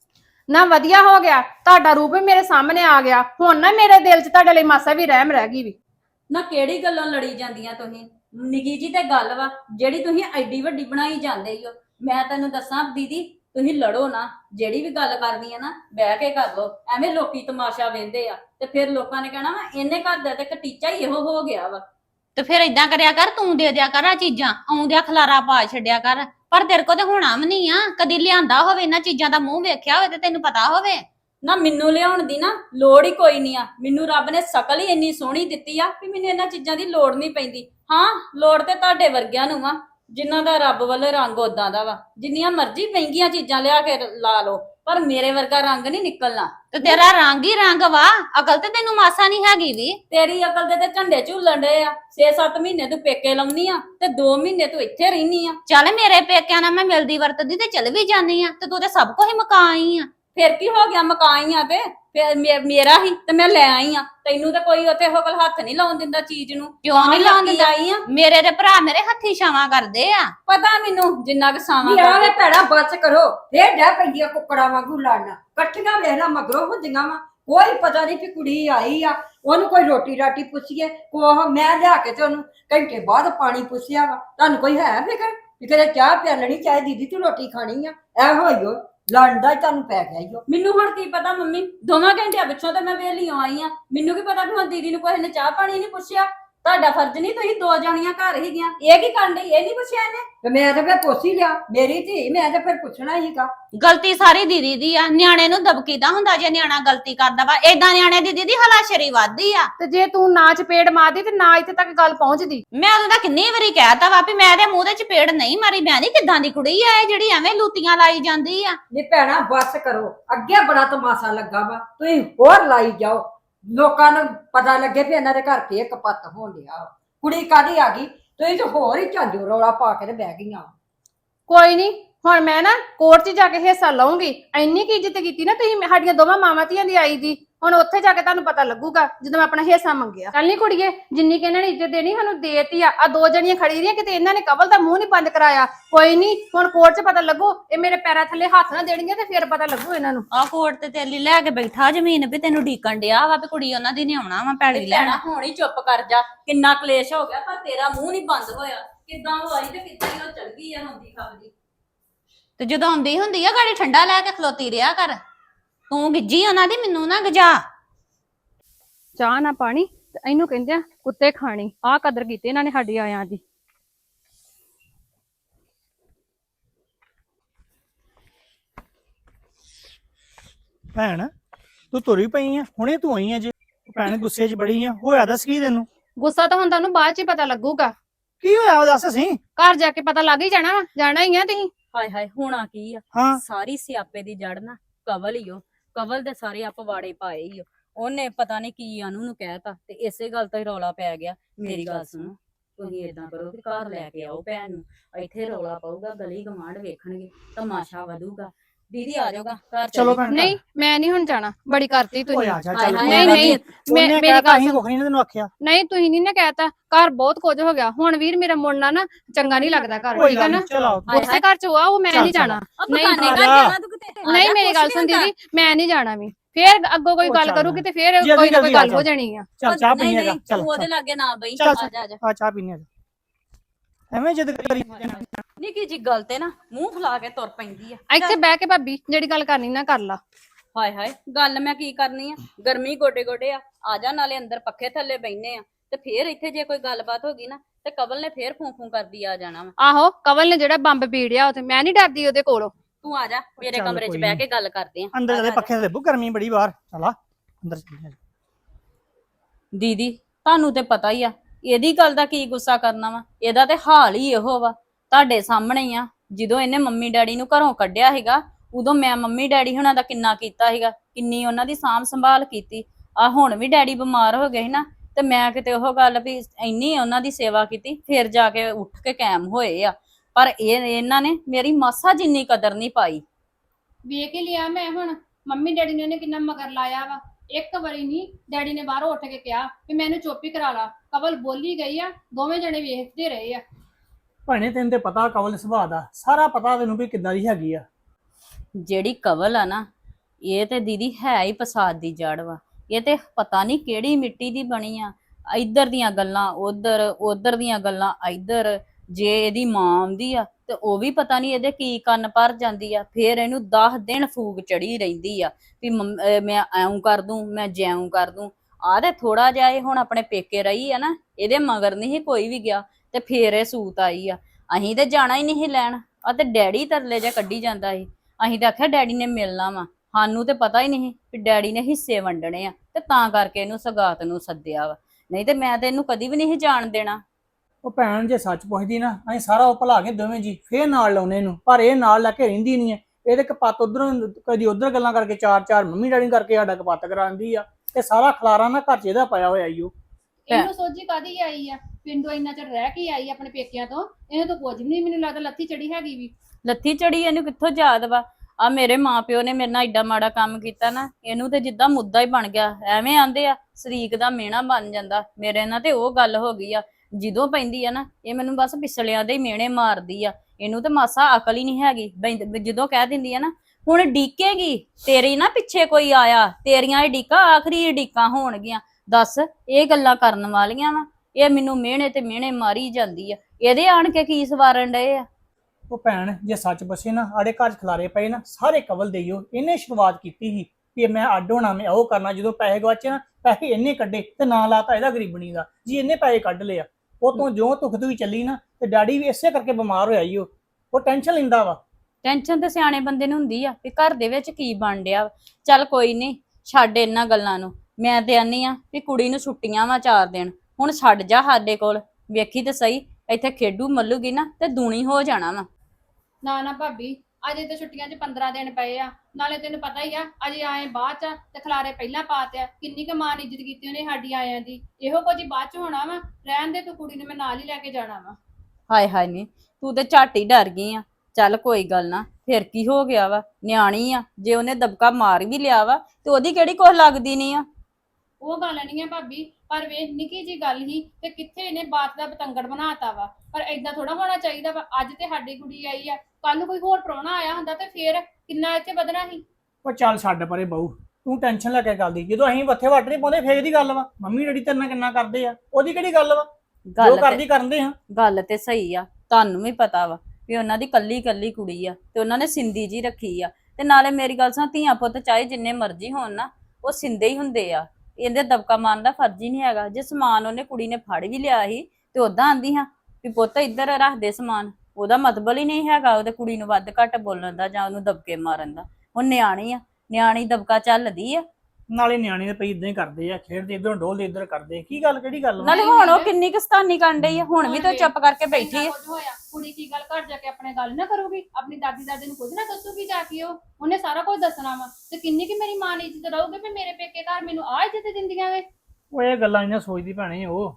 ਨਾ ਵਧੀਆ ਹੋ ਗਿਆ ਤੁਹਾਡਾ ਰੂਪ ਵੀ ਮੇਰੇ ਸਾਹਮਣੇ ਆ ਗਿਆ ਹੁਣ ਨਾ ਮੇਰੇ ਦਿਲ 'ਚ ਤੁਹਾਡੇ ਲਈ ਮਾਸਾ ਵੀ ਰਹਿਮ ਰਹਿ ਗਈ ਵੀ ਨਾ ਕਿਹੜੀ ਗੱਲੋਂ ਲੜੀ ਜਾਂਦੀਆਂ ਤੁਸੀਂ ਨਿੱਕੀ ਜੀ ਤੇ ਗੱਲ ਵਾ ਜਿਹੜੀ ਤੁਸੀਂ ਐਡੀ ਵੱਡੀ ਬਣਾਈ ਜਾਂਦੇ ਹੋ ਮੈਂ ਤੈਨੂੰ ਦੱਸਾਂ ਦੀਦੀ ਤੁਸੀਂ ਲੜੋ ਨਾ ਜਿਹੜੀ ਵੀ ਗੱਲ ਕਰਨੀ ਹੈ ਨਾ ਬਹਿ ਕੇ ਕਰ ਲੋ ਐਵੇਂ ਲੋਕੀ ਤਮਾਸ਼ਾ ਵੇਂਦੇ ਆ ਤੇ ਫਿਰ ਲੋਕਾਂ ਨੇ ਕਹਿਣਾ ਵਾ ਇਹਨੇ ਘਰ ਦਾ ਤੇ ਕਟੀਚਾ ਹੀ ਇਹੋ ਹੋ ਗਿਆ ਵਾ ਤੇ ਫਿਰ ਇਦਾਂ ਕਰਿਆ ਕਰ ਤੂੰ ਦੇ ਦਿਆ ਕਰ ਆ ਚੀਜ਼ਾਂ ਆਉਂਦਿਆ ਖਲਾਰਾ ਪਾ ਛੱਡਿਆ ਕਰ ਪਰ ਤੇਰੇ ਕੋ ਤੇ ਹੋਣਾ ਵੀ ਨਹੀਂ ਆ ਕਦੀ ਲਿਆਂਦਾ ਹੋਵੇ ਇਹਨਾਂ ਚੀਜ਼ਾਂ ਦਾ ਮੂੰਹ ਵੇਖਿਆ ਹੋਵੇ ਤੇ ਤੈਨੂੰ ਪਤਾ ਹੋਵੇ ਨਾ ਮੈਨੂੰ ਲਿਆਉਣ ਦੀ ਨਾ ਲੋੜ ਹੀ ਕੋਈ ਨਹੀਂ ਆ ਮੈਨੂੰ ਰੱਬ ਨੇ ਸ਼ਕਲ ਹੀ ਇੰਨੀ ਸੋਹਣੀ ਦਿੱਤੀ ਆ ਵੀ ਮੈਨੂੰ ਇਹਨਾਂ ਚੀਜ਼ਾਂ ਦੀ ਲੋੜ ਨਹੀਂ ਪੈਂਦੀ ਹਾਂ ਲੋੜ ਤੇ ਤੁਹਾਡੇ ਵਰਗਿਆਂ ਨੂੰ ਆ ਜਿਨ੍ਹਾਂ ਦਾ ਰੱਬ ਵੱਲੋਂ ਰੰਗ ਉਦਾਂ ਦਾ ਵਾ ਜਿੰਨੀਆਂ ਮਰਜ਼ੀ ਮਹਿੰਗੀਆਂ ਚੀਜ਼ਾਂ ਲਿਆ ਕੇ ਲਾ ਲਓ ਪਰ ਮੇਰੇ ਵਰਗਾ ਰੰਗ ਨਹੀਂ ਨਿਕਲਣਾ ਤੇ ਤੇਰਾ ਰੰਗ ਹੀ ਰੰਗ ਵਾ ਅਕਲ ਤੇ ਤੈਨੂੰ ਮਾਸਾ ਨਹੀਂ ਹੈਗੀ ਵੀ ਤੇਰੀ ਅਕਲ ਦੇ ਤੇ ਝੰਡੇ ਝੂਲਣ ਡੇ ਆ ਛੇ ਸੱਤ ਮਹੀਨੇ ਤੂੰ ਪੇਕੇ ਲਾਉਣੀ ਆ ਤੇ ਦੋ ਮਹੀਨੇ ਤੂੰ ਇੱਥੇ ਰਹਿਨੀ ਆ ਚੱਲ ਮੇਰੇ ਪੇਕਿਆਂ ਨਾਲ ਮੈਂ ਮਿਲਦੀ ਵਰਤਦੀ ਤੇ ਚੱਲ ਵੀ ਜਾਨੀ ਆ ਤੇ ਤੂੰ ਤੇ ਸਭ ਕੁਝ ਮੁਕਾ ਆਈ ਆ ਫਿਰ ਕੀ ਹੋ ਗਿਆ ਮਕਾਈ ਆ ਤੇ ਫਿਰ ਮੇ- ਮੇਰਾ ਹੀ ਤੇ ਮੈਂ ਲੈ ਆਈ ਆ ਤੈਨੂੰ ਤਾਂ ਕੋਈ ਉੱਥੇ ਹੋ ਕੋਲ ਹੱਥ ਨਹੀਂ ਲਾਉਣ ਦਿੰਦਾ ਚੀਜ਼ ਨੂੰ ਕਿਉਂ ਨਹੀਂ ਲਾਉਣ ਲੱਗੀ ਦਿੰਦਾ ਆਈ ਆ ਮੇਰੇ ਦੇ ਭਰਾ ਮੇਰੇ ਹੱਥੀ ਛਾਵਾਂ ਕਰਦੇ ਆ ਪਤਾ ਮੈਨੂੰ ਜਿੰਨਾ ਕਿ ਸਾਵਾਂ ਨੀ ਆਵੇ ਕਰਦੇ। ਭੈੜਾ ਬਚ ਕਰੋ ਫੇਰ ਡੈ ਪੈਂਦੀਆਂ ਕੁੱਕੜਾਂ ਵਾਂਗੂ ਲੜਨਾ ਇਕੱਠੀਆਂ ਵੇਖ ਲਾ ਮਗਰੋਂ ਹੁੰਦੀਆਂ ਵਾ ਕੋਈ ਪਤਾ ਨਹੀਂ ਵੀ ਕੁੜੀ ਆਈ ਆ ਉਹਨੂੰ ਕੋਈ ਰੋਟੀ ਰਾਟੀ ਪੁੱਛੀਏ ਕੋਹ ਮੈਂ ਲਿਆ ਕੇ ਤੇ ਉਹਨੂੰ ਘੰਟੇ ਬਾਅਦ ਪਾਣੀ ਪੁੱਛਿਆ ਵਾ ਤੁਹਾਨੂੰ ਕੋਈ ਹੈ ਫਿਕਰ ਵੀ ਕਦੇ ਚਾਹ ਪਿਆਲਣੀ ਚਾਹੇ ਦੀਦੀ ਤੂੰ ਰੋਟੀ ਖਾਣੀ ਆ ਐ ਹੋਈਓ ਲੜਦਾ ਹੀ ਤੁਹਾਨੂੰ ਪੈ ਗਿਆ ਈਓ ਮੈਨੂੰ ਹੁਣ ਕੀ ਪਤਾ ਮੰਮੀ ਦੋਵਾਂ ਘੰਟਿਆਂ ਪਿੱਛੋਂ ਤਾਂ ਮੈਂ ਵੇਲੀ ਆਈ ਆ ਮੈਨੂੰ ਕੀ ਪਤਾ ਵੀ ਹੁਣ ਦੀਦੀ ਨੂੰ ਕੋਈ ਨੇ ਚਾਹ ਪਾਣੀ ਨਹੀਂ ਪੁੱਛਿਆ ਤੁਹਾਡਾ ਫਰਜ਼ ਨਹੀਂ ਤੁਸੀਂ ਦੋ ਜਾਣੀਆਂ ਘਰ ਹੀ ਗਿਆ ਇਹ ਕੀ ਕਰਨ ਡਈ ਇਹ ਨਹੀਂ ਪੁੱਛਿਆ ਇਹਨੇ ਤੇ ਮੈਂ ਤਾਂ ਫਿਰ ਪੁੱਛ ਹੀ ਲਿਆ ਮੇਰੀ ਧੀ ਮੈਂ ਤਾਂ ਫਿਰ ਪੁੱਛਣਾ ਹੀਗਾ ਗਲਤੀ ਸਾਰੀ ਦੀਦੀ ਦੀ ਆ ਨਿਆਣੇ ਨੂੰ ਦਬਕੀਦਾ ਹੁੰਦਾ ਜੇ ਨਿਆਣਾ ਗਲਤੀ ਕਰਦਾ ਵਾ ਏਦਾਂ ਨਿਆਣੇ ਦੀ ਦੀਦੀ ਹਲਾਸ਼ਰੀ ਵੱਧਦੀ ਆ ਤੇ ਜੇ ਤੂੰ ਨਾ ਚਪੇੜ ਮਾਰਦੀ ਤੇ ਨਾ ਇੱਥੇ ਤੱਕ ਗੱਲ ਪਹੁੰਚਦੀ ਮੈਂ ਉਹਦਾ ਤਾਂ ਕਿੰਨੀ ਵਾਰੀ ਕਹਿਤਾ ਵਾ ਵੀ ਮੈਂ ਇਹਦੇ ਮੂੰਹ ਦੇ ਚਪੇੜ ਨਹੀਂ ਮਾਰੀ ਮੈਂ ਨਹੀਂ ਕਿੱਦਾਂ ਦੀ ਕੁੜੀ ਆ ਇਹ ਜਿਹੜੀ ਐਵੇਂ ਲੂਤੀਆਂ ਲਾਈ ਜਾਂਦੀ ਆ ਨੀ ਭੈਣਾ ਬਸ ਕਰੋ ਅੱਗੇ ਬੜਾ ਤਮਾਸ਼ਾ ਲੱਗਾ ਵਾ ਤੁਸੀਂ ਹੋਰ ਲਾਈ ਜਾਓ ਲੋਕਾਂ ਨੂੰ ਪਤਾ ਲੱਗੇ ਵੀ ਇਹਨਾਂ ਦੇ ਘਰ ਫੇਰ ਕਪੱਤ ਹੋਣ ਡਿਆ ਵਾ। ਕੁੜੀ ਕਾਦੀ ਆ ਗਈ ਤੁਸੀਂ ਤਾਂ ਹੋਰ ਹੀ ਝਾਂਜੋ ਰੌਲਾ ਪਾ ਕੇ ਤੇ ਬਹਿ ਗਈਆਂ ਕੋਈ ਨਹੀਂ ਹੁਣ ਮੈਂ ਨਾ ਕੋਰਟ 'ਚ ਜਾ ਕੇ ਹਿੱਸਾ ਲਵਾਂਗੀ ਇੰਨੀ ਕੀ ਇੱਜ਼ਤ ਕੀਤੀ ਨਾ ਤੁਸੀਂ ਸਾਡੀਆਂ ਦੋਵਾਂ ਮਾਵਾਂ ਧੀਆਂ ਦੀ ਆਈ ਦੀ ਹੁਣ ਉੱਥੇ ਜਾ ਕੇ ਤੁਹਾਨੂੰ ਪਤਾ ਲੱਗੂਗਾ ਜਦੋਂ ਮੈਂ ਆਪਣਾ ਹਿੱਸਾ ਮੰਗਿਆ ਚੱਲ ਨੀ ਕੁੜੀਏ ਜਿੰਨੀ ਕਿ ਇਹਨਾਂ ਨੇ ਇੱਜ਼ਤ ਦੇਣੀ ਸਾਨੂੰ ਦੇਤੀ ਆ ਆ ਦੋ ਜਣੀਆਂ ਖੜੀ ਰਹੀਆਂ ਕਿਤੇ ਇਹਨਾਂ ਨੇ ਕਵਲ ਦਾ ਮੂੰਹ ਨਹੀਂ ਬੰਦ ਕਰਾਇਆ ਕੋਈ ਨਹੀਂ ਹੁਣ ਕੋਰਟ 'ਚ ਪਤਾ ਲੱਗੂ ਇਹ ਮੇਰੇ ਪੈਰਾਂ ਥੱਲੇ ਹੱਥ ਨਾ ਦੇਣਗੇ ਤੇ ਫਿਰ ਪਤਾ ਲੱਗੂ ਇਹਨਾਂ ਨੂੰ ਆ ਕੋਰਟ ਤੇ ਤੇਲੀ ਲੈ ਕੇ ਬੈਠਾ ਜ਼ਮੀਨ ਵੀ ਤੈਨੂੰ ਢੀਕਣ ਡਿਆ ਵਾ ਵੀ ਕੁੜੀ ਉਹਨਾਂ ਦੀ ਨਹੀਂ ਆਉਣਾ ਵਾ ਪੈੜੀ ਲੈਣਾ ਲੈਣਾ ਹੁਣ ਹੀ ਚੁੱਪ ਕਰ ਜਾ ਕਿੰਨਾ ਕਲੇਸ਼ ਹੋ ਗਿਆ ਪਰ ਤੇਰਾ ਮੂੰਹ ਨਹੀਂ ਬੰਦ ਹੋਇਆ ਕਿੱਦਾਂ ਉਹ ਆਈ ਤੇ ਕਿੱਦਾਂ ਹੀ ਉਹ ਚਲ ਗਈ ਆ ਹੁੰਦੀ ਖਬਦੀ ਤੇ ਜਦੋਂ ਆਉਂਦੀ ਹੁੰਦੀ ਆ ਗਾੜੀ ਠੰਡਾ ਲੈ ਕੇ ਖਲੋਤੀ ਰਿਹਾ ਕਰ ਤੂੰ ਗਿੱਜੀ ਉਹਨਾਂ ਦੀ ਮੈਨੂੰ ਨਾ ਗਜਾ ਚਾਹ ਨਾ ਪਾਣੀ ਤੇ ਇਹਨੂੰ ਕਹਿੰਦੇ ਆ ਕੁੱਤੇ ਖਾਣੀ ਆਹ ਕਦਰ ਕੀਤੀ ਇਹਨਾਂ ਨੇ ਸਾਡੀ ਆਇਆਂ ਦੀ ਭੈਣ ਤੂੰ ਤੁਰੀ ਪਈ ਆ ਹੁਣੇ ਤੂੰ ਆਈ ਆ ਜੇ ਭੈਣ ਗੁੱਸੇ 'ਚ ਬੜੀ ਆ ਹੋਇਆ ਦੱਸ ਕੀ ਤੈਨੂੰ ਗੁੱਸਾ ਤਾਂ ਹੁਣ ਤੁਹਾਨੂੰ ਬਾਅਦ 'ਚ ਹੀ ਪਤਾ ਲੱਗੂਗਾ ਕੀ ਹੋਇਆ ਉਹ ਦੱਸ ਅਸੀਂ ਘਰ ਜਾ ਕੇ ਪਤਾ ਲੱਗ ਹੀ ਜਾਣਾ ਵਾ ਜਾਣਾ ਹੀ ਆ ਤੁਸੀਂ ਹਾਏ ਹਾਏ ਹੋਣਾ ਕੀ ਆ ਹਾਂ ਸਾਰੀ ਸਿਆਪੇ ਦੀ ਜੜ ਨਾ ਕਵਲ ਹੀ ਓ ਕਵਲ ਦੇ ਸਾਰੇ ਆ ਪਵਾੜੇ ਪਾਏ ਹੀ ਓ ਉਹਨੇ ਪਤਾ ਨਹੀਂ ਕੀ ਅਨੂ ਨੂੰ ਕਹਿਤਾ ਤੇ ਇਸੇ ਗੱਲ ਤੋਂ ਹੀ ਰੌਲਾ ਪੈ ਗਿਆ ਮੇਰੀ ਗੱਲ ਸੁਣੋ ਤੁਸੀਂ ਏਦਾਂ ਕਰੋ ਕਿ ਘਰ ਲੈ ਕੇ ਆਓ ਭੈਣ ਨੂੰ ਇੱਥੇ ਰੌਲਾ ਪਊਗਾ ਗਲੀ ਗਵਾਂਢ ਵੇਖਣਗੇ ਤਮਾਸ਼ਾ ਵਧੂਗਾ ਦੀਦੀ ਆ ਜਾਓਗਾ ਘਰ ਚਲੋ ਚੱਲੀਏ। ਭੈਣ ਘਰ। ਨਹੀਂ ਮੈਂ ਨਹੀਂ ਹੁਣ ਜਾਣਾ ਬੜੀ ਕਰਤੀ ਓਏ ਤੁਸੀਂ ਆ ਜਾ ਹਾਏ ਚੱਲ ਹਾਏ, ਨਹੀਂ, ਨਹੀਂ, ਮੈਂ- ਮੈਂ ਮੇਰੀ ਮੇਰੀ ਗੱਲ ਗੱਲ ਸੁਣ। ਕੁਝ ਨਹੀਂ ਤੈਨੂੰ ਆਖਿਆ ਨਹੀਂ ਤੁਸੀਂ ਨਹੀਂ ਨਾ ਕਹਿਤਾ ਘਰ ਬਹੁਤ ਕੁਝ ਹੋ ਗਿਆ ਹੁਣ ਵੀਰ ਮੇਰਾ ਮੁੰਡਾ ਨਾ ਚੰਗਾ ਨਹੀਂ ਲੱਗਦਾ ਘਰ ਕੋਈ ਠੀਕ ਹੈ ਗੱਲ ਨਾ ਨਹੀਂ ਚਲੋ ਹਾਏ ਉਸੇ ਘਰ ਚ ਹੋਆ ਉਹ ਮੈਂ ਚੱਲ, ਨਹੀਂ ਚੱਲ। ਜਾਣਾ ਉਹ ਨਹੀਂ, ਬਗਾਨੇ ਘਰ ਆ ਜਾ। ਜਾਣਾ ਤੂੰ ਕਿਤੇ ਆ ਨਹੀਂ ਜਾ, ਮੇਰੀ ਕੁਛ ਗੱਲ ਨੀ ਸੁਣ ਹੁੰਦਾ। ਦੀਦੀ ਮੈਂ ਨਹੀਂ ਜਾਣਾ ਵੀ ਫੇਰ ਅੱਗੋਂ ਕੋਈ ਉਹ ਗੱਲ ਚੱਲ। ਕਰੂਗੀ ਤੇ ਫੇਰ ਜਲਦੀ ਕੋਈ ਨਾ ਕੋਈ ਜਲਦੀ ਆ ਗੱਲ ਜਾ। ਹੋ ਜਾਣੀ ਆ ਚੱਲ ਚਾਹ ਨਹੀਂ, ਪੀਣੀ ਹੈਗਾ ਨਹੀਂ, ਚੱਲ ਤੂੰ ਉਹਦੇ ਲਾਗੇ ਨਾ ਬਈ ਚੱਲ, ਆ ਜਾ ਆ ਜਾ ਆ ਚਾਹ ਪੀਣੀ ਆ ਐਵੇਂ ਜਿੱਦ ਕਰੀ ਨਿੱਕੀ ਜੀ ਗੱਲ ਤੇ ਨਾ ਮੂੰਹ ਫੁਲਾ ਕੇ ਤੁਰ ਪੈਂਦੀ ਆ ਇੱਥੇ ਬਹਿ ਕੇ ਭਾਬੀ ਜਿਹੜੀ ਗੱਲ ਕਰਨੀ ਨਾ ਕਰ ਲਾ ਹਾਏ ਹਾਏ ਗੱਲ ਮੈਂ ਕੀ ਕਰਨੀ ਆ ਗਰਮੀ ਗੋਡੇ ਗੋਡੇ ਆ ਆ ਜਾ ਨਾਲੇ ਅੰਦਰ ਪੱਖੇ ਥੱਲੇ ਬੈਠਨੇ ਆ ਤੇ ਫੇਰ ਇੱਥੇ ਜੇ ਕੋਈ ਗੱਲਬਾਤ ਹੋ ਗਈ ਨਾ ਤੇ ਕਵਲ ਨੇ ਫੇਰ ਫੂੰ ਫੂੰ ਕਰਦੀ ਆ ਜਾਣਾ ਵਾ ਆਹੋ ਕਵਲ ਨੇ ਜਿਹੜਾ ਬੰਬ ਪੀੜਿਆ ਉਥੇ ਮੈਂ ਨਹੀਂ ਡਰਦੀ ਉਹਦੇ ਕੋਲੋਂ ਤੂੰ ਆ ਜਾ ਮੇਰੇ ਚੱਲ ਕਮਰੇ 'ਚ ਕੋਈ ਬਹਿ ਨੀ। ਕੇ ਗੱਲ ਕਰਦੇ ਆ ਅੰਦਰ ਆ ਚਲੇ ਜਾ, ਪੱਖੇ ਥੱਲੇ ਬੂ ਗਰਮੀ ਬੜੀ ਬਾਹਰ ਚਲਾ ਅੰਦਰ ਚੱਲੀਏ ਦੀਦੀ ਤੁਹਾਨੂੰ ਤੇ ਪਤਾ ਹੀ ਆ ਇਹਦੀ ਗੱਲ ਦਾ ਕੀ ਗੁੱਸਾ ਕਰਨਾ ਵਾ ਇਹਦਾ ਤੇ ਹਾਲ ਹੀ ਇਹੋ ਵਾ ਤੁਹਾਡੇ ਸਾਹਮਣੇ ਹੀ ਆ ਜਦੋਂ ਇਹਨੇ ਮੰਮੀ ਡੈਡੀ ਨੂੰ ਘਰੋਂ ਕੱਢਿਆ ਹੈਗਾ ਉਦੋਂ ਮੈਂ ਮੰਮੀ ਡੈਡੀ ਹੁਣਾਂ ਦਾ ਕਿੰਨਾ ਕੀਤਾ ਹੈਗਾ ਕਿੰਨੀ ਉਹਨਾਂ ਦੀ ਸਾਂਭ ਸੰਭਾਲ ਕੀਤੀ ਆ ਹੁਣ ਵੀ ਡੈਡੀ ਬਿਮਾਰ ਹੋ ਗਏ ਸੀ ਨਾ ਤੇ ਮੈਂ ਕਿਤੇ ਉਹ ਗੱਲ ਵੀ ਇੰਨੀ ਉਹਨਾਂ ਦੀ ਸੇਵਾ ਕੀਤੀ ਫਿਰ ਜਾ ਕੇ ਉੱਠ ਕੇ ਕਾਇਮ ਹੋਏ ਆ ਪਰ ਇਹ ਇਹਨਾਂ ਨੇ ਮੇਰੀ ਮਾਸਾ ਜਿੰਨੀ ਕਦਰ ਨਹੀਂ ਪਾਈ ਵੇਖ ਹੀ ਲਿਆ ਮੈਂ ਹੁਣ ਮੰਮੀ ਡੈਡੀ ਨੇ ਉਹਨੇ ਕਿੰਨਾ ਮਗਰ ਲਾਇਆ ਵਾ ਇੱਕ ਵਾਰੀ ਨਹੀਂ ਡੈਡੀ ਨੇ ਬਾਹਰੋਂ ਉੱਠ ਕੇ ਕਿਹਾ ਵੀ ਮੈਨੂੰ ਚੁੱਪ ਹੀ ਕਰਾ ਲਾ ਕਵਲ ਬੋਲੀ ਗਈ ਆ ਦੋਵੇਂ ਜਣੇ ਵੇਖਦੇ ਰਹੇ ਆ ਭਾਣੇ ਤੈਨੂੰ ਤੇ ਪਤਾ ਕਵਲ ਦੇ ਸੁਭਾਅ ਦਾ ਸਾਰਾ ਪਤਾ ਤੈਨੂੰ ਵੀ ਕਿੱਦਾਂ ਦੀ ਹੈਗੀ ਆ ਜਿਹੜੀ ਕਵਲ ਆ ਨਾ ਇਹ ਤੇ ਦੀਦੀ ਹੈ ਹੀ ਫਸਾਦ ਦੀ ਜੜ ਵਾ ਇਹ ਤੇ ਪਤਾ ਨਹੀਂ ਕਿਹੜੀ ਮਿੱਟੀ ਦੀ ਬਣੀ ਆ ਇੱਧਰ ਦੀਆਂ ਗੱਲਾਂ ਉਧਰ ਉਧਰ ਦੀਆਂ ਗੱਲਾਂ ਇੱਧਰ ਜੇ ਇਹਦੀ ਮਾਂ ਆਉਂਦੀ ਆ ਤੇ ਉਹ ਵੀ ਪਤਾ ਨਹੀਂ ਇਹਦੇ ਕੀ ਕੰਨ ਭਰ ਜਾਂਦੀ ਆ ਫੇਰ ਇਹਨੂੰ ਦਸ ਦਿਨ ਫੂਕ ਚੜੀ ਰਹਿੰਦੀ ਆ ਵੀ ਮੰਮ- ਅਹ ਮੈਂ ਐਉਂ ਕਰ ਦੂੰ ਮੈਂ ਜਿਉਂ ਕਰ ਦੂੰ ਆਹ ਤੇ ਥੋੜਾ ਜਿਹਾ ਇਹ ਹੁਣ ਆਪਣੇ ਪੇਕੇ ਰਹੀ ਆ ਨਾ ਇਹਦੇ ਮਗਰ ਨਹੀਂ ਕੋਈ ਵੀ ਗਿਆ ਤੇ ਫੇਰ ਇਹ ਸੂਤ ਆਈ ਆ ਅਸੀਂ ਤੇ ਜਾਣਾ ਹੀ ਨਹੀਂ ਲੈਣ ਆ ਤੇ ਡੈਡੀ ਤਰਲੇ ਜਿਹਾ ਕੱਢੀ ਜਾਂਦਾ ਸੀ ਅਸੀਂ ਤਾਂ ਆਖਿਆ ਡੈਡੀ ਨੇ ਮਿਲਣਾ ਵਾ ਸਾਨੂੰ ਤੇ ਪਤਾ ਹੀ ਨਹੀਂ ਵੀ ਡੈਡੀ ਨੇ ਹਿੱਸੇ ਵੰਡਣੇ ਆ ਤੇ ਤਾਂ ਕਰਕੇ ਇਹਨੂੰ ਸਗਾਤ ਨੂੰ ਸੱਦਿਆ ਵਾ ਨਹੀਂ ਤੇ ਮੈਂ ਤੇ ਇਹਨੂੰ ਕਦੀ ਵੀ ਨਹੀਂ ਜਾਣ ਦੇਣਾ ਉਹ ਭੈਣ ਜੇ ਸੱਚ ਪੁੱਛਦੀ ਨਾ ਅਸੀਂ ਸਾਰਾ ਉਹ ਭੁਲਾ ਕੇ ਦੋਵੇਂ ਜੀ ਫੇਰ ਨਾਲ ਲਾਉਨੇ ਇਹਨੂੰ ਪਰ ਇਹ ਨਾਲ ਲੈ ਕੇ ਰਹਿੰਦੀ ਨਹੀਂ ਹੈ ਇਹਦੇ ਕਪੱਤ ਉਧਰੋਂ ਕਦੀ ਉਧਰ ਗੱਲਾਂ ਕਰਕੇ ਚਾਰ ਚਾਰ ਮੰਮੀ ਡੈਡੀ ਕਰਕੇ ਸਾਡਾ ਕਪੱਤ ਕਰਾਉਂਦੀ ਆ ਤੇ ਸਾਰਾ ਖਲਾਰਾ ਨਾ ਘਰ ਚ ਇਹਦਾ ਪਾਇਆ ਹੋਇਆ ਈ ਓ ਇਹਨੂੰ ਸੋਝੀ ਕਾਦੀ ਆਈ ਆ ਪਿੰਡੋਂ ਇੰਨਾ ਚਿਰ ਰਹਿ ਕੇ ਆਈ ਆਪਣੇ ਪੇਕਿਆਂ ਤੋਂ ਇਹਨੂੰ ਤਾਂ ਕੁਝ ਵੀ ਨਹੀਂ ਮੈਨੂੰ ਲੱਗਦਾ ਲੱਥੀ ਚੜੀ ਹੈਗੀ ਵੀ ਲੱਥੀ ਚੜੀ ਇਹਨੂੰ ਕਿੱਥੋਂ ਯਾਦ ਵਾ ਆ ਮੇਰੇ ਮਾਪਿਓ ਨੇ ਮੇਰੇ ਨਾਲ ਏਡਾ ਮਾੜਾ ਕੰਮ ਕੀਤਾ ਨਾ ਇਹਨੂੰ ਤੇ ਜਿੱਦਾਂ ਮੁੱਦਾ ਹੀ ਬਣ ਗਿਆ ਐਵੇਂ ਆਂਦੇ ਆ ਸਰੀਕ ਦਾ ਮਿਹਣਾ ਬਣ ਜਾਂਦਾ ਮੇਰੇ ਨਾਲ ਤੇ ਉਹ ਗੱਲ ਹੋ ਗਈ ਆ ਜਦੋਂ ਪੈਂਦੀ ਆ ਨਾ ਇਹ ਮੈਨੂੰ ਬਸ ਪਿਛਲਿਆਂ ਦੇ ਹੀ ਮਿਹਣੇ ਮਾਰਦੀ ਆ ਇਹਨੂੰ ਤੇ ਮਾਸਾ ਅਕਲ ਹੀ ਨਹੀਂ ਹੈਗੀ ਬੈਂ- ਜਦੋਂ ਕਹਿ ਦਿੰਦੀ ਆ ਨਾ ਹੁਣ ਡੀਕੇਗੀ ਤੇਰੀ ਨਾ ਪਿੱਛੇ ਕੋਈ ਆਇਆ ਤੇਰੀਆਂ ਇਹ ਡੀਕਾਂ ਆਖਰੀ ਡੀਕਾਂ ਹੋਣਗੀਆਂ ਦੱਸ ਇਹ ਗੱਲਾਂ ਕਰਨ ਵਾਲੀਆਂ ਵਾ ਇਹ ਮੈਨੂੰ ਮਿਹਣੇ ਤੇ ਮਿਹਣੇ ਮਾਰੀ ਜਾਂਦੀ ਆ ਇਹਦੇ ਆਣ ਕੇ ਕੀ ਸਵਾਰਨ ਡਏ ਆ ਉਹ ਭੈਣ ਜੇ ਸੱਚ ਬਸੇ ਨਾ ਆੜੇ ਘਰ 'ਚ ਖਲਾਰੇ ਪਏ ਨਾ ਸਾਰੇ ਕਵਲ ਦੇਈਓ ਇਹਨੇ ਸ਼ੁਰੂਆਤ ਕੀਤੀ ਸੀ ਵੀ ਮੈਂ ਅੱਡ ਹੋਣਾ ਮੈਂ ਉਹ ਕਰਨਾ ਜਦੋਂ ਪੈਸੇ ਗਵਾਚੇ ਨਾ ਪੈਸੇ ਇਹਨੇ ਕੱਢੇ ਤੇ ਨਾਂ ਲਾਤਾ ਇਹਦਾ ਗਰੀਬਣੀ ਦਾ ਜੀ ਇਹਨੇ ਪੈਸੇ ਕੱਢ ਲਿਆ ਉਹ ਤੋਂ ਜੋ ਤੁਖਦ ਵੀ ਚੱਲੀ ਨਾ ਤੇ ਡੈਡੀ ਵੀ ਇਸੇ ਕਰਕੇ ਬਿਮਾਰ ਹੋਇਆ ਈ ਉਹ ਉਹ ਟੈਨਸ਼ਨ ਲੈਂਦਾ ਵਾ ਟੈਨਸ਼ਨ ਤੇ ਸਿਆਣੇ ਬੰਦੇ ਨੂੰ ਹੁੰਦੀ ਆ ਵੀ ਘਰ ਦੇ ਵਿੱਚ ਕੀ ਬਣ ਡਿਆ ਵਾ। ਚੱਲ ਕੋਈ ਨਹੀਂ ਛੱਡ ਇਹਨਾਂ ਗੱਲਾਂ ਨੂੰ ਮੈਂ ਤੇ ਆਨੀ ਆ ਵੀ ਕੁੜੀ ਨੂੰ ਛੁੱਟੀਆਂ ਵਾ ਚਾਰ ਦਿਨ ਹੁਣ ਛੱਡ ਜਾ ਸਾਡੇ ਕੋਲ ਵੇਖੀ ਤੇ ਸਹੀ ਇੱਥੇ ਖੇਡੂ ਮੱਲੂਗੀ ਨਾ ਤੇ ਦੂਣੀ ਹੋ ਜਾਣਾ ਵਾ ਨਾ ਨਾ ਭਾਬੀ ਅਜੇ ਤਾਂ ਛੁੱਟੀਆਂ 'ਚ ਪੰਦਰਾਂ ਦਿਨ ਪਏ ਆ ਨਾਲੇ ਤੈਨੂੰ ਪਤਾ ਹੀ ਆ ਅਜੇ ਆਏ ਬਾਅਦ 'ਚ ਤੇ ਖਲਾਰੇ ਪਹਿਲਾਂ ਪਾਤੇ ਆ ਕਿੰਨੀ ਕੁ ਮਾਨ ਇੱਜ਼ਤ ਕੀਤੀ ਉਹਨੇ ਸਾਡੀ ਆਇਆਂ ਦੀ ਇਹੋ ਕੁਝ ਹੀ ਬਾਅਦ 'ਚ ਹੋਣਾ ਵਾ ਰਹਿਣ ਦੇ ਤੂੰ ਕੁੜੀ ਨੂੰ ਮੈਂ ਨਾਲ ਹੀ ਲੈ ਕੇ ਜਾਣਾ ਵਾ ਹਾਏ ਹਾਏ ਨੀ ਤੂੰ ਤੇ ਝੱਟ ਹੀ ਡਰ ਗਈ ਆ ਚੱਲ ਕੋਈ ਗੱਲ ਨਾ ਫਿਰ ਕੀ ਹੋ ਗਿਆ ਵਾ ਨਿਆਣੀ ਆ ਜੇ ਉਹਨੇ ਦਬਕਾ ਮਾਰ ਵੀ ਲਿਆ ਵਾ ਤੇ ਉਹਦੀ ਕਿਹੜੀ ਕੁਛ ਲੱਗਦੀ ਨਹੀਂ ਆ ਉਹ ਗੱਲ ਨਹੀਂ ਆ ਭਾਬੀ ਪਰ ਵੇ ਨਿੱਕੀ ਜੀ ਗੱਲ ਹੀ ਤੇ ਕਿੱਥੇ ਇਹਨੇ ਬਾਤ ਦਾ ਪਤੰਗੜ ਬਣਾਤਾ ਵਾ ਪਰ ਏਦਾਂ ਥੋੜਾ ਹੋਣਾ ਚਾਹੀਦਾ ਵਾ ਅੱਜ ਤੇ ਸਾਡੀ ਕੁੜੀ ਆਈ ਆ ਕੱਲ ਨੂੰ ਕੋਈ ਹੋਰ ਪ੍ਰਾਹੁਣਾ ਆਇਆ ਹੁੰਦਾ ਤੇ ਫੇਰ ਕਿੰਨਾ ਇੱਥੇ ਵਧਣਾ ਸੀ ਉਹ ਚੱਲ ਛੱਡ ਪਰੇ ਬਹੂ ਤੂੰ ਟੈਨਸ਼ਨ ਲੈ ਕੇ ਗੱਲ ਦੀ ਜਦੋਂ ਅਸੀਂ ਵੱਥੇ ਵੱਟ ਨਹੀਂ ਪਾਉਂਦੇ ਫੇਰ ਦੀ ਗੱਲ ਵਾ ਮੰਮੀ ਡੈਡੀ ਤੇਰੇ ਨਾਲ ਕਿੰਨਾ ਕਰਦੇ ਆ ਉਹਦੀ ਕਿਹੜੀ ਗੱਲ ਵਾ ਜੋ ਗੱਲ ਤੇ ਕਰਦੀ ਕਰਦੇ ਆ ਗੱਲ ਤੇ ਸਹੀ ਆ ਤੁਹਾਨੂੰ ਵੀ ਪਤਾ ਵਾ ਵੀ ਉਹਨਾਂ ਦੀ ਕੱਲੀ ਕੱਲੀ ਕੁੜੀ ਆ ਤੇ ਉਹਨਾਂ ਨੇ ਸਿੰਦੀ ਜੀ ਰੱਖੀ ਆ ਤੇ ਨਾਲੇ ਮੇਰੀ ਗੱਲ ਸੁਣ ਧੀਆਂ ਪੁੱਤ ਚਾਹੇ ਜਿੰਨੇ ਮਰਜ਼ੀ ਹੋਣ ਨਾ ਉਹ ਸਿੰਦੇ ਹੀ ਹੁੰਦੇ ਆ ਇਹਦੇ ਦਬਕਾ ਮਾਰਨ ਦਾ ਫਰਜ਼ ਹੀ ਨਹੀਂ ਹੈਗਾ ਜੇ ਸਮਾਨ ਉਹਨੇ ਕੁੜੀ ਨੇ ਫੜ ਵੀ ਲਿਆ ਸੀ ਤੇ ਉਦਾਂ ਆਂਦੀ ਹਾਂ ਵੀ ਪੁੱਤ ਇੱਧਰ ਰੱਖ ਦੇ ਸਮਾਨ ਉਹਦਾ ਮਤਲਬ ਹੀ ਨਹੀਂ ਹੈਗਾ ਉਹਦੇ ਕੁੜੀ ਨੂੰ ਵੱਧ ਘੱਟ ਬੋਲਣ ਦਾ ਜਾਂ ਉਹਨੂੰ ਦਬਕੇ ਮਾਰਨ ਦਾ ਹੁਣ ਨਿਆਣੀ ਆ ਨਿਆਣੀ ਦਬਕਾ ਚੱਲਦੀ ਆ ਨਾਲੇ ਨਿਆਣੇ ਦੇ ਪਈ ਇਦਾਂ ਹੀ ਕਰਦੇ ਆ ਖੇਡਦੇ ਇਧਰੋਂ ਡੋਲਦੇ ਇੱਧਰ ਕਰਦੇ ਕੀ ਗੱਲ ਕਿਹੜੀ ਗੱਲ ਵਾ ਨਾਲੇ ਹੁਣ ਉਹ ਕਿੰਨੀ ਕਿਸਤਾਨੀ ਕਰਨ ਡਈ ਆ ਹੁਣ ਵੀ ਤਾਂ ਚੁੱਪ ਕਰਕੇ ਬੈਠੀ ਇੰਨਾ ਆ ਕੁਝ ਹੋਇਆ ਕੁੜੀ ਕੀ ਗੱਲ ਘਰ ਜਾ ਕੇ ਆਪਣੇ ਗੱਲ ਨਾ ਕਰੂਗੀ ਆਪਣੀ ਦਾਦੀ ਦਾਦੇ ਨੂੰ ਕੁਝ ਨਾ ਦੱਸੂਗੀ ਜਾ ਕੇ ਉਹ ਉਹਨੇ ਸਾਰਾ ਕੁਝ ਦੱਸਣਾ ਵਾ ਤੇ ਕਿੰਨੀ ਕਿ ਮੇਰੀ ਮਾਂ ਨੇ ਇੱਜ਼ਤ ਰਹੂਗੀ ਵੀ ਮੇਰੇ ਪੇਕੇ ਘਰ ਮੈਨੂੰ ਆ ਇੱਜ਼ਤ ਦਿੰਦੀਆਂ ਵੇ ਉਹ ਇਹ ਗੱਲਾਂ ਇਹਨਾਂ ਸੋਚਦੀ ਭੈਣੇ ਉਹ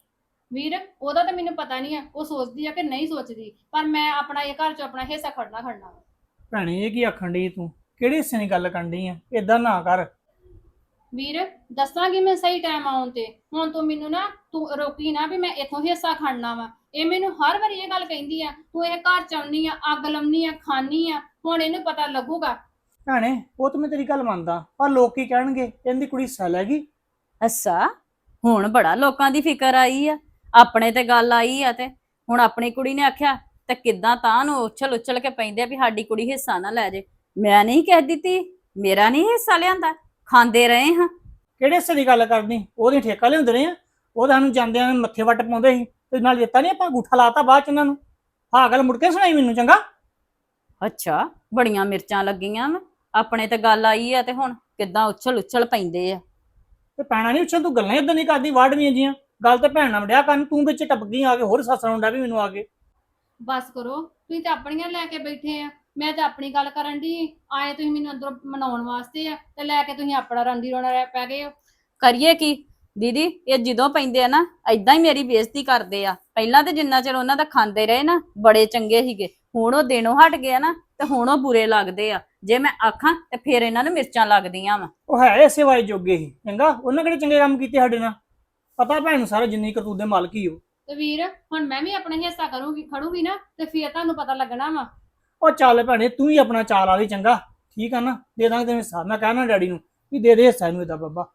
ਵੀਰ ਉਹਦਾ ਤਾਂ ਮੈਨੂੰ ਪਤਾ ਨਹੀਂ ਆ ਉਹ ਸੋਚਦੀ ਆ ਕਿ ਨਹੀਂ ਸੋਚਦੀ ਪਰ ਮੈਂ ਆਪਣਾ ਇਹ ਘਰ ਚ ਆਪਣਾ ਹਿੱਸਾ ਖੜਨਾ ਖੜਨਾ ਵਾ। ਭੈਣੇ ਇਹ ਕੀ ਆਖਣ ਡਈ ਤੂੰ? ਕਿਹੜੇ ਹਿੱਸੇ ਦੀ ਗੱਲ ਕਰਨ ਡਈ ਆ? ਏਦਾਂ ਨਾ ਕਰ। ਵੀਰ ਦੱਸਾਂਗੀ ਮੈਂ ਸਹੀ ਟਾਈਮ ਆਉਣ ਤੇ। ਹੁਣ ਤੂੰ ਮੈਨੂੰ ਨਾ ਤੂੰ ਰੋਕੀ ਨਾ ਵੀ ਮੈਂ ਇੱਥੋਂ ਹਿੱਸਾ ਖੜਨਾ ਵਾ। ਇਹ ਮੈਨੂੰ ਹਰ ਵਾਰੀ ਇਹ ਗੱਲ ਕਹਿੰਦੀ ਆ, ਤੂੰ ਇਹ ਘਰ ਚ ਆਉਣੀ ਆ, ਅੱਗ ਲਾਉਣੀ ਆ, ਖਾਣੀ ਆ। ਹੁਣ ਇਹਨੂੰ ਪਤਾ ਲੱਗੂਗਾ। ਭੈਣੇ ਉਹ ਤਾਂ ਮੈਂ ਤੇਰੀ ਗੱਲ ਮੰਨਦਾ, ਪਰ ਲੋਕ ਕੀ ਕਹਿਣਗੇ? ਇਹਦੀ ਕੁੜੀ ਸੈਲ ਹੈਗੀ। ਅੱਛਾ, ਹੁਣ ਬੜਾ ਲੋਕਾਂ ਦੀ ਫਿਕਰ ਆਈ ਆ, ਆਪਣੇ ਤੇ ਗੱਲ ਆਈ ਆ। ਤੇ ਹੁਣ ਆਪਣੀ ਕੁੜੀ ਨੇ ਆਖਿਆ ਤੇ ਕਿੱਦਾਂ ਤਾਂ ਨੂੰ ਉਛਲ ਉਛਲ ਕੇ ਪੈਂਦੇ ਆ ਵੀ ਸਾਡੀ ਕੁੜੀ ਹਿੱਸਾ ਨਾ ਲੈ ਜੇ। ਮੈਂ ਨਹੀਂ ਕਹਿ ਦਿੱਤੀ, ਮੇਰਾ ਨਹੀਂ ਹਿੱਸਾ ਲਿਆਂਦਾ, ਖਾਂਦੇ ਰਹੇ ਹਾਂ। ਕਿਹੜੇ ਹਿੱਸੇ ਦੀ ਗੱਲ ਕਰਨੀ? ਉਹਦੀ ਠੇਕਾ ਲਿਆਉਂਦੇ ਰਹੇ ਆ, ਉਹ ਸਾਨੂੰ ਜਾਂਦਿਆਂ ਨੂੰ ਮੱਥੇ ਵੱਟ ਪਾਉਂਦੇ ਸੀ ਤੇ ਨਾਲ ਦਿੱਤਾ ਨਹੀਂ, ਆਪਾਂ ਅੰਗੂਠਾ ਲਾਤਾ ਬਾਅਦ ਚ ਉਹਨਾਂ ਨੂੰ। ਆਹ ਗੱਲ ਮੁੜ ਕੇ ਸੁਣਾਈ ਮੈਨੂੰ, ਚੰਗਾ? ਅੱਛਾ, ਬੜੀਆਂ ਮਿਰਚਾਂ ਲੱਗੀਆਂ ਵਾ, ਆਪਣੇ ਤੇ ਗੱਲ ਆਈ ਆ ਤੇ ਹੁਣ ਕਿੱਦਾਂ ਉਛਲ ਉਛਲ ਪੈਂਦੇ ਆ। ਤੇ ਪੈਣਾ ਨਹੀਂ ਉੱਛਲ, ਤੂੰ ਗੱਲਾਂ ਇਦਾਂ ਨਹੀਂ ਕਰਦੀ ਵਾੜਵੀਆਂ ਜੀਆਂ। ਗੱਲ ਤੇ ਭੈਣ ਨਾਲ ਵੜਿਆ ਕਰਨ, ਤੂੰ ਵਿੱਚ ਟੱਪ ਗਈ ਆ ਕੇ, ਹੋਰ ਸੱਸ ਨੂੰ ਡਾ ਵੀ ਮੈਨੂੰ ਆ ਕੇ। ਬਸ ਕਰੋ, ਤੁਸੀਂ ਤਾਂ ਆਪਣੀਆਂ ਲੈ ਕੇ ਬੈਠੇ ਆ, ਮੈਂ ਤਾਂ ਆਪਣੀ ਗੱਲ ਕਰਨ ਦੀ ਆਏ। ਤੁਸੀਂ ਮੈਨੂੰ ਅੰਦਰੋਂ ਮਨਾਉਣ ਵਾਸਤੇ ਆ ਤੇ ਲੈ ਕੇ ਤੁਸੀਂ ਆਪਣਾ ਰੰਦੀ ਰੋਣਾ ਰਹਿ ਪੈ ਗਏ ਹੋ। ਕਰੀਏ ਕੀ ਦੀਦੀ, ਇਹ ਜਦੋਂ ਪੈਂਦੇ ਆ ਨਾ ਏਦਾਂ ਹੀ ਮੇਰੀ ਬੇਇੱਜ਼ਤੀ ਕਰਦੇ ਆ। ਪਹਿਲਾਂ ਤੇ ਜਿੰਨਾ ਚਿਰ ਉਹਨਾਂ ਦਾ ਖਾਂਦੇ ਰਹੇ ਨਾ ਬੜੇ ਚੰਗੇ ਸੀਗੇ, ਹੁਣ ਉਹ ਦਿਨੋਂ ਹਟ ਗਿਆ ਨਾ ਤੇ ਹੁਣ ਉਹ ਬੁਰੇ ਲੱਗਦੇ ਆ। ਜੇ ਮੈਂ ਆਖਾਂ ਤੇ ਫਿਰ ਇਹਨਾਂ ਨੂੰ ਮਿਰਚਾਂ ਲੱਗਦੀਆਂ ਵਾ। ਉਹ ਹੈ ਇਸੇ ਵਾਏ ਜੋਗੇ ਹੀ, ਚੰਗਾ? ਉਹਨਾਂ ਕਿਹੜੇ ਚੰਗੇ ਕੰਮ ਕੀਤੇ ਸਾਡੇ ਨਾਲ? ਪਤਾ ਭੈਣ ਨੂੰ ਸਾਰਾ, ਜਿੰਨੀ ਕਰਤੂਤ ਦੇ ਮਾਲਕ ਹੀ ਹੋ। ਤੇ ਵੀਰ ਹੁਣ ਮੈਂ ਵੀ ਆਪਣਾ ਹਿੱਸਾ ਕਰੂੰਗੀ, ਖੜੂਗੀ ਨਾ ਤੇ ਫਿਰ ਤੁਹਾਨੂੰ ਪਤਾ ਲੱਗਣਾ ਵਾ। ਉਹ ਚੱਲ ਭੈਣੇ, ਤੂੰ ਹੀ ਆਪਣਾ ਚਾਲ ਆ ਲਈ, ਚੰਗਾ? ਠੀਕ ਆ ਨਾ, ਦੇ ਦਾਂਗੇ ਤੈਨੂੰ ਹਿੱਸਾ। ਮੈਂ ਕਹਿਣਾ ਡੈਡੀ ਨੂੰ ਵੀ ਦੇ ਦੇ ਹਿੱਸਾ ਇਹਨੂੰ ਇਹਦਾ। ਬਾਬਾ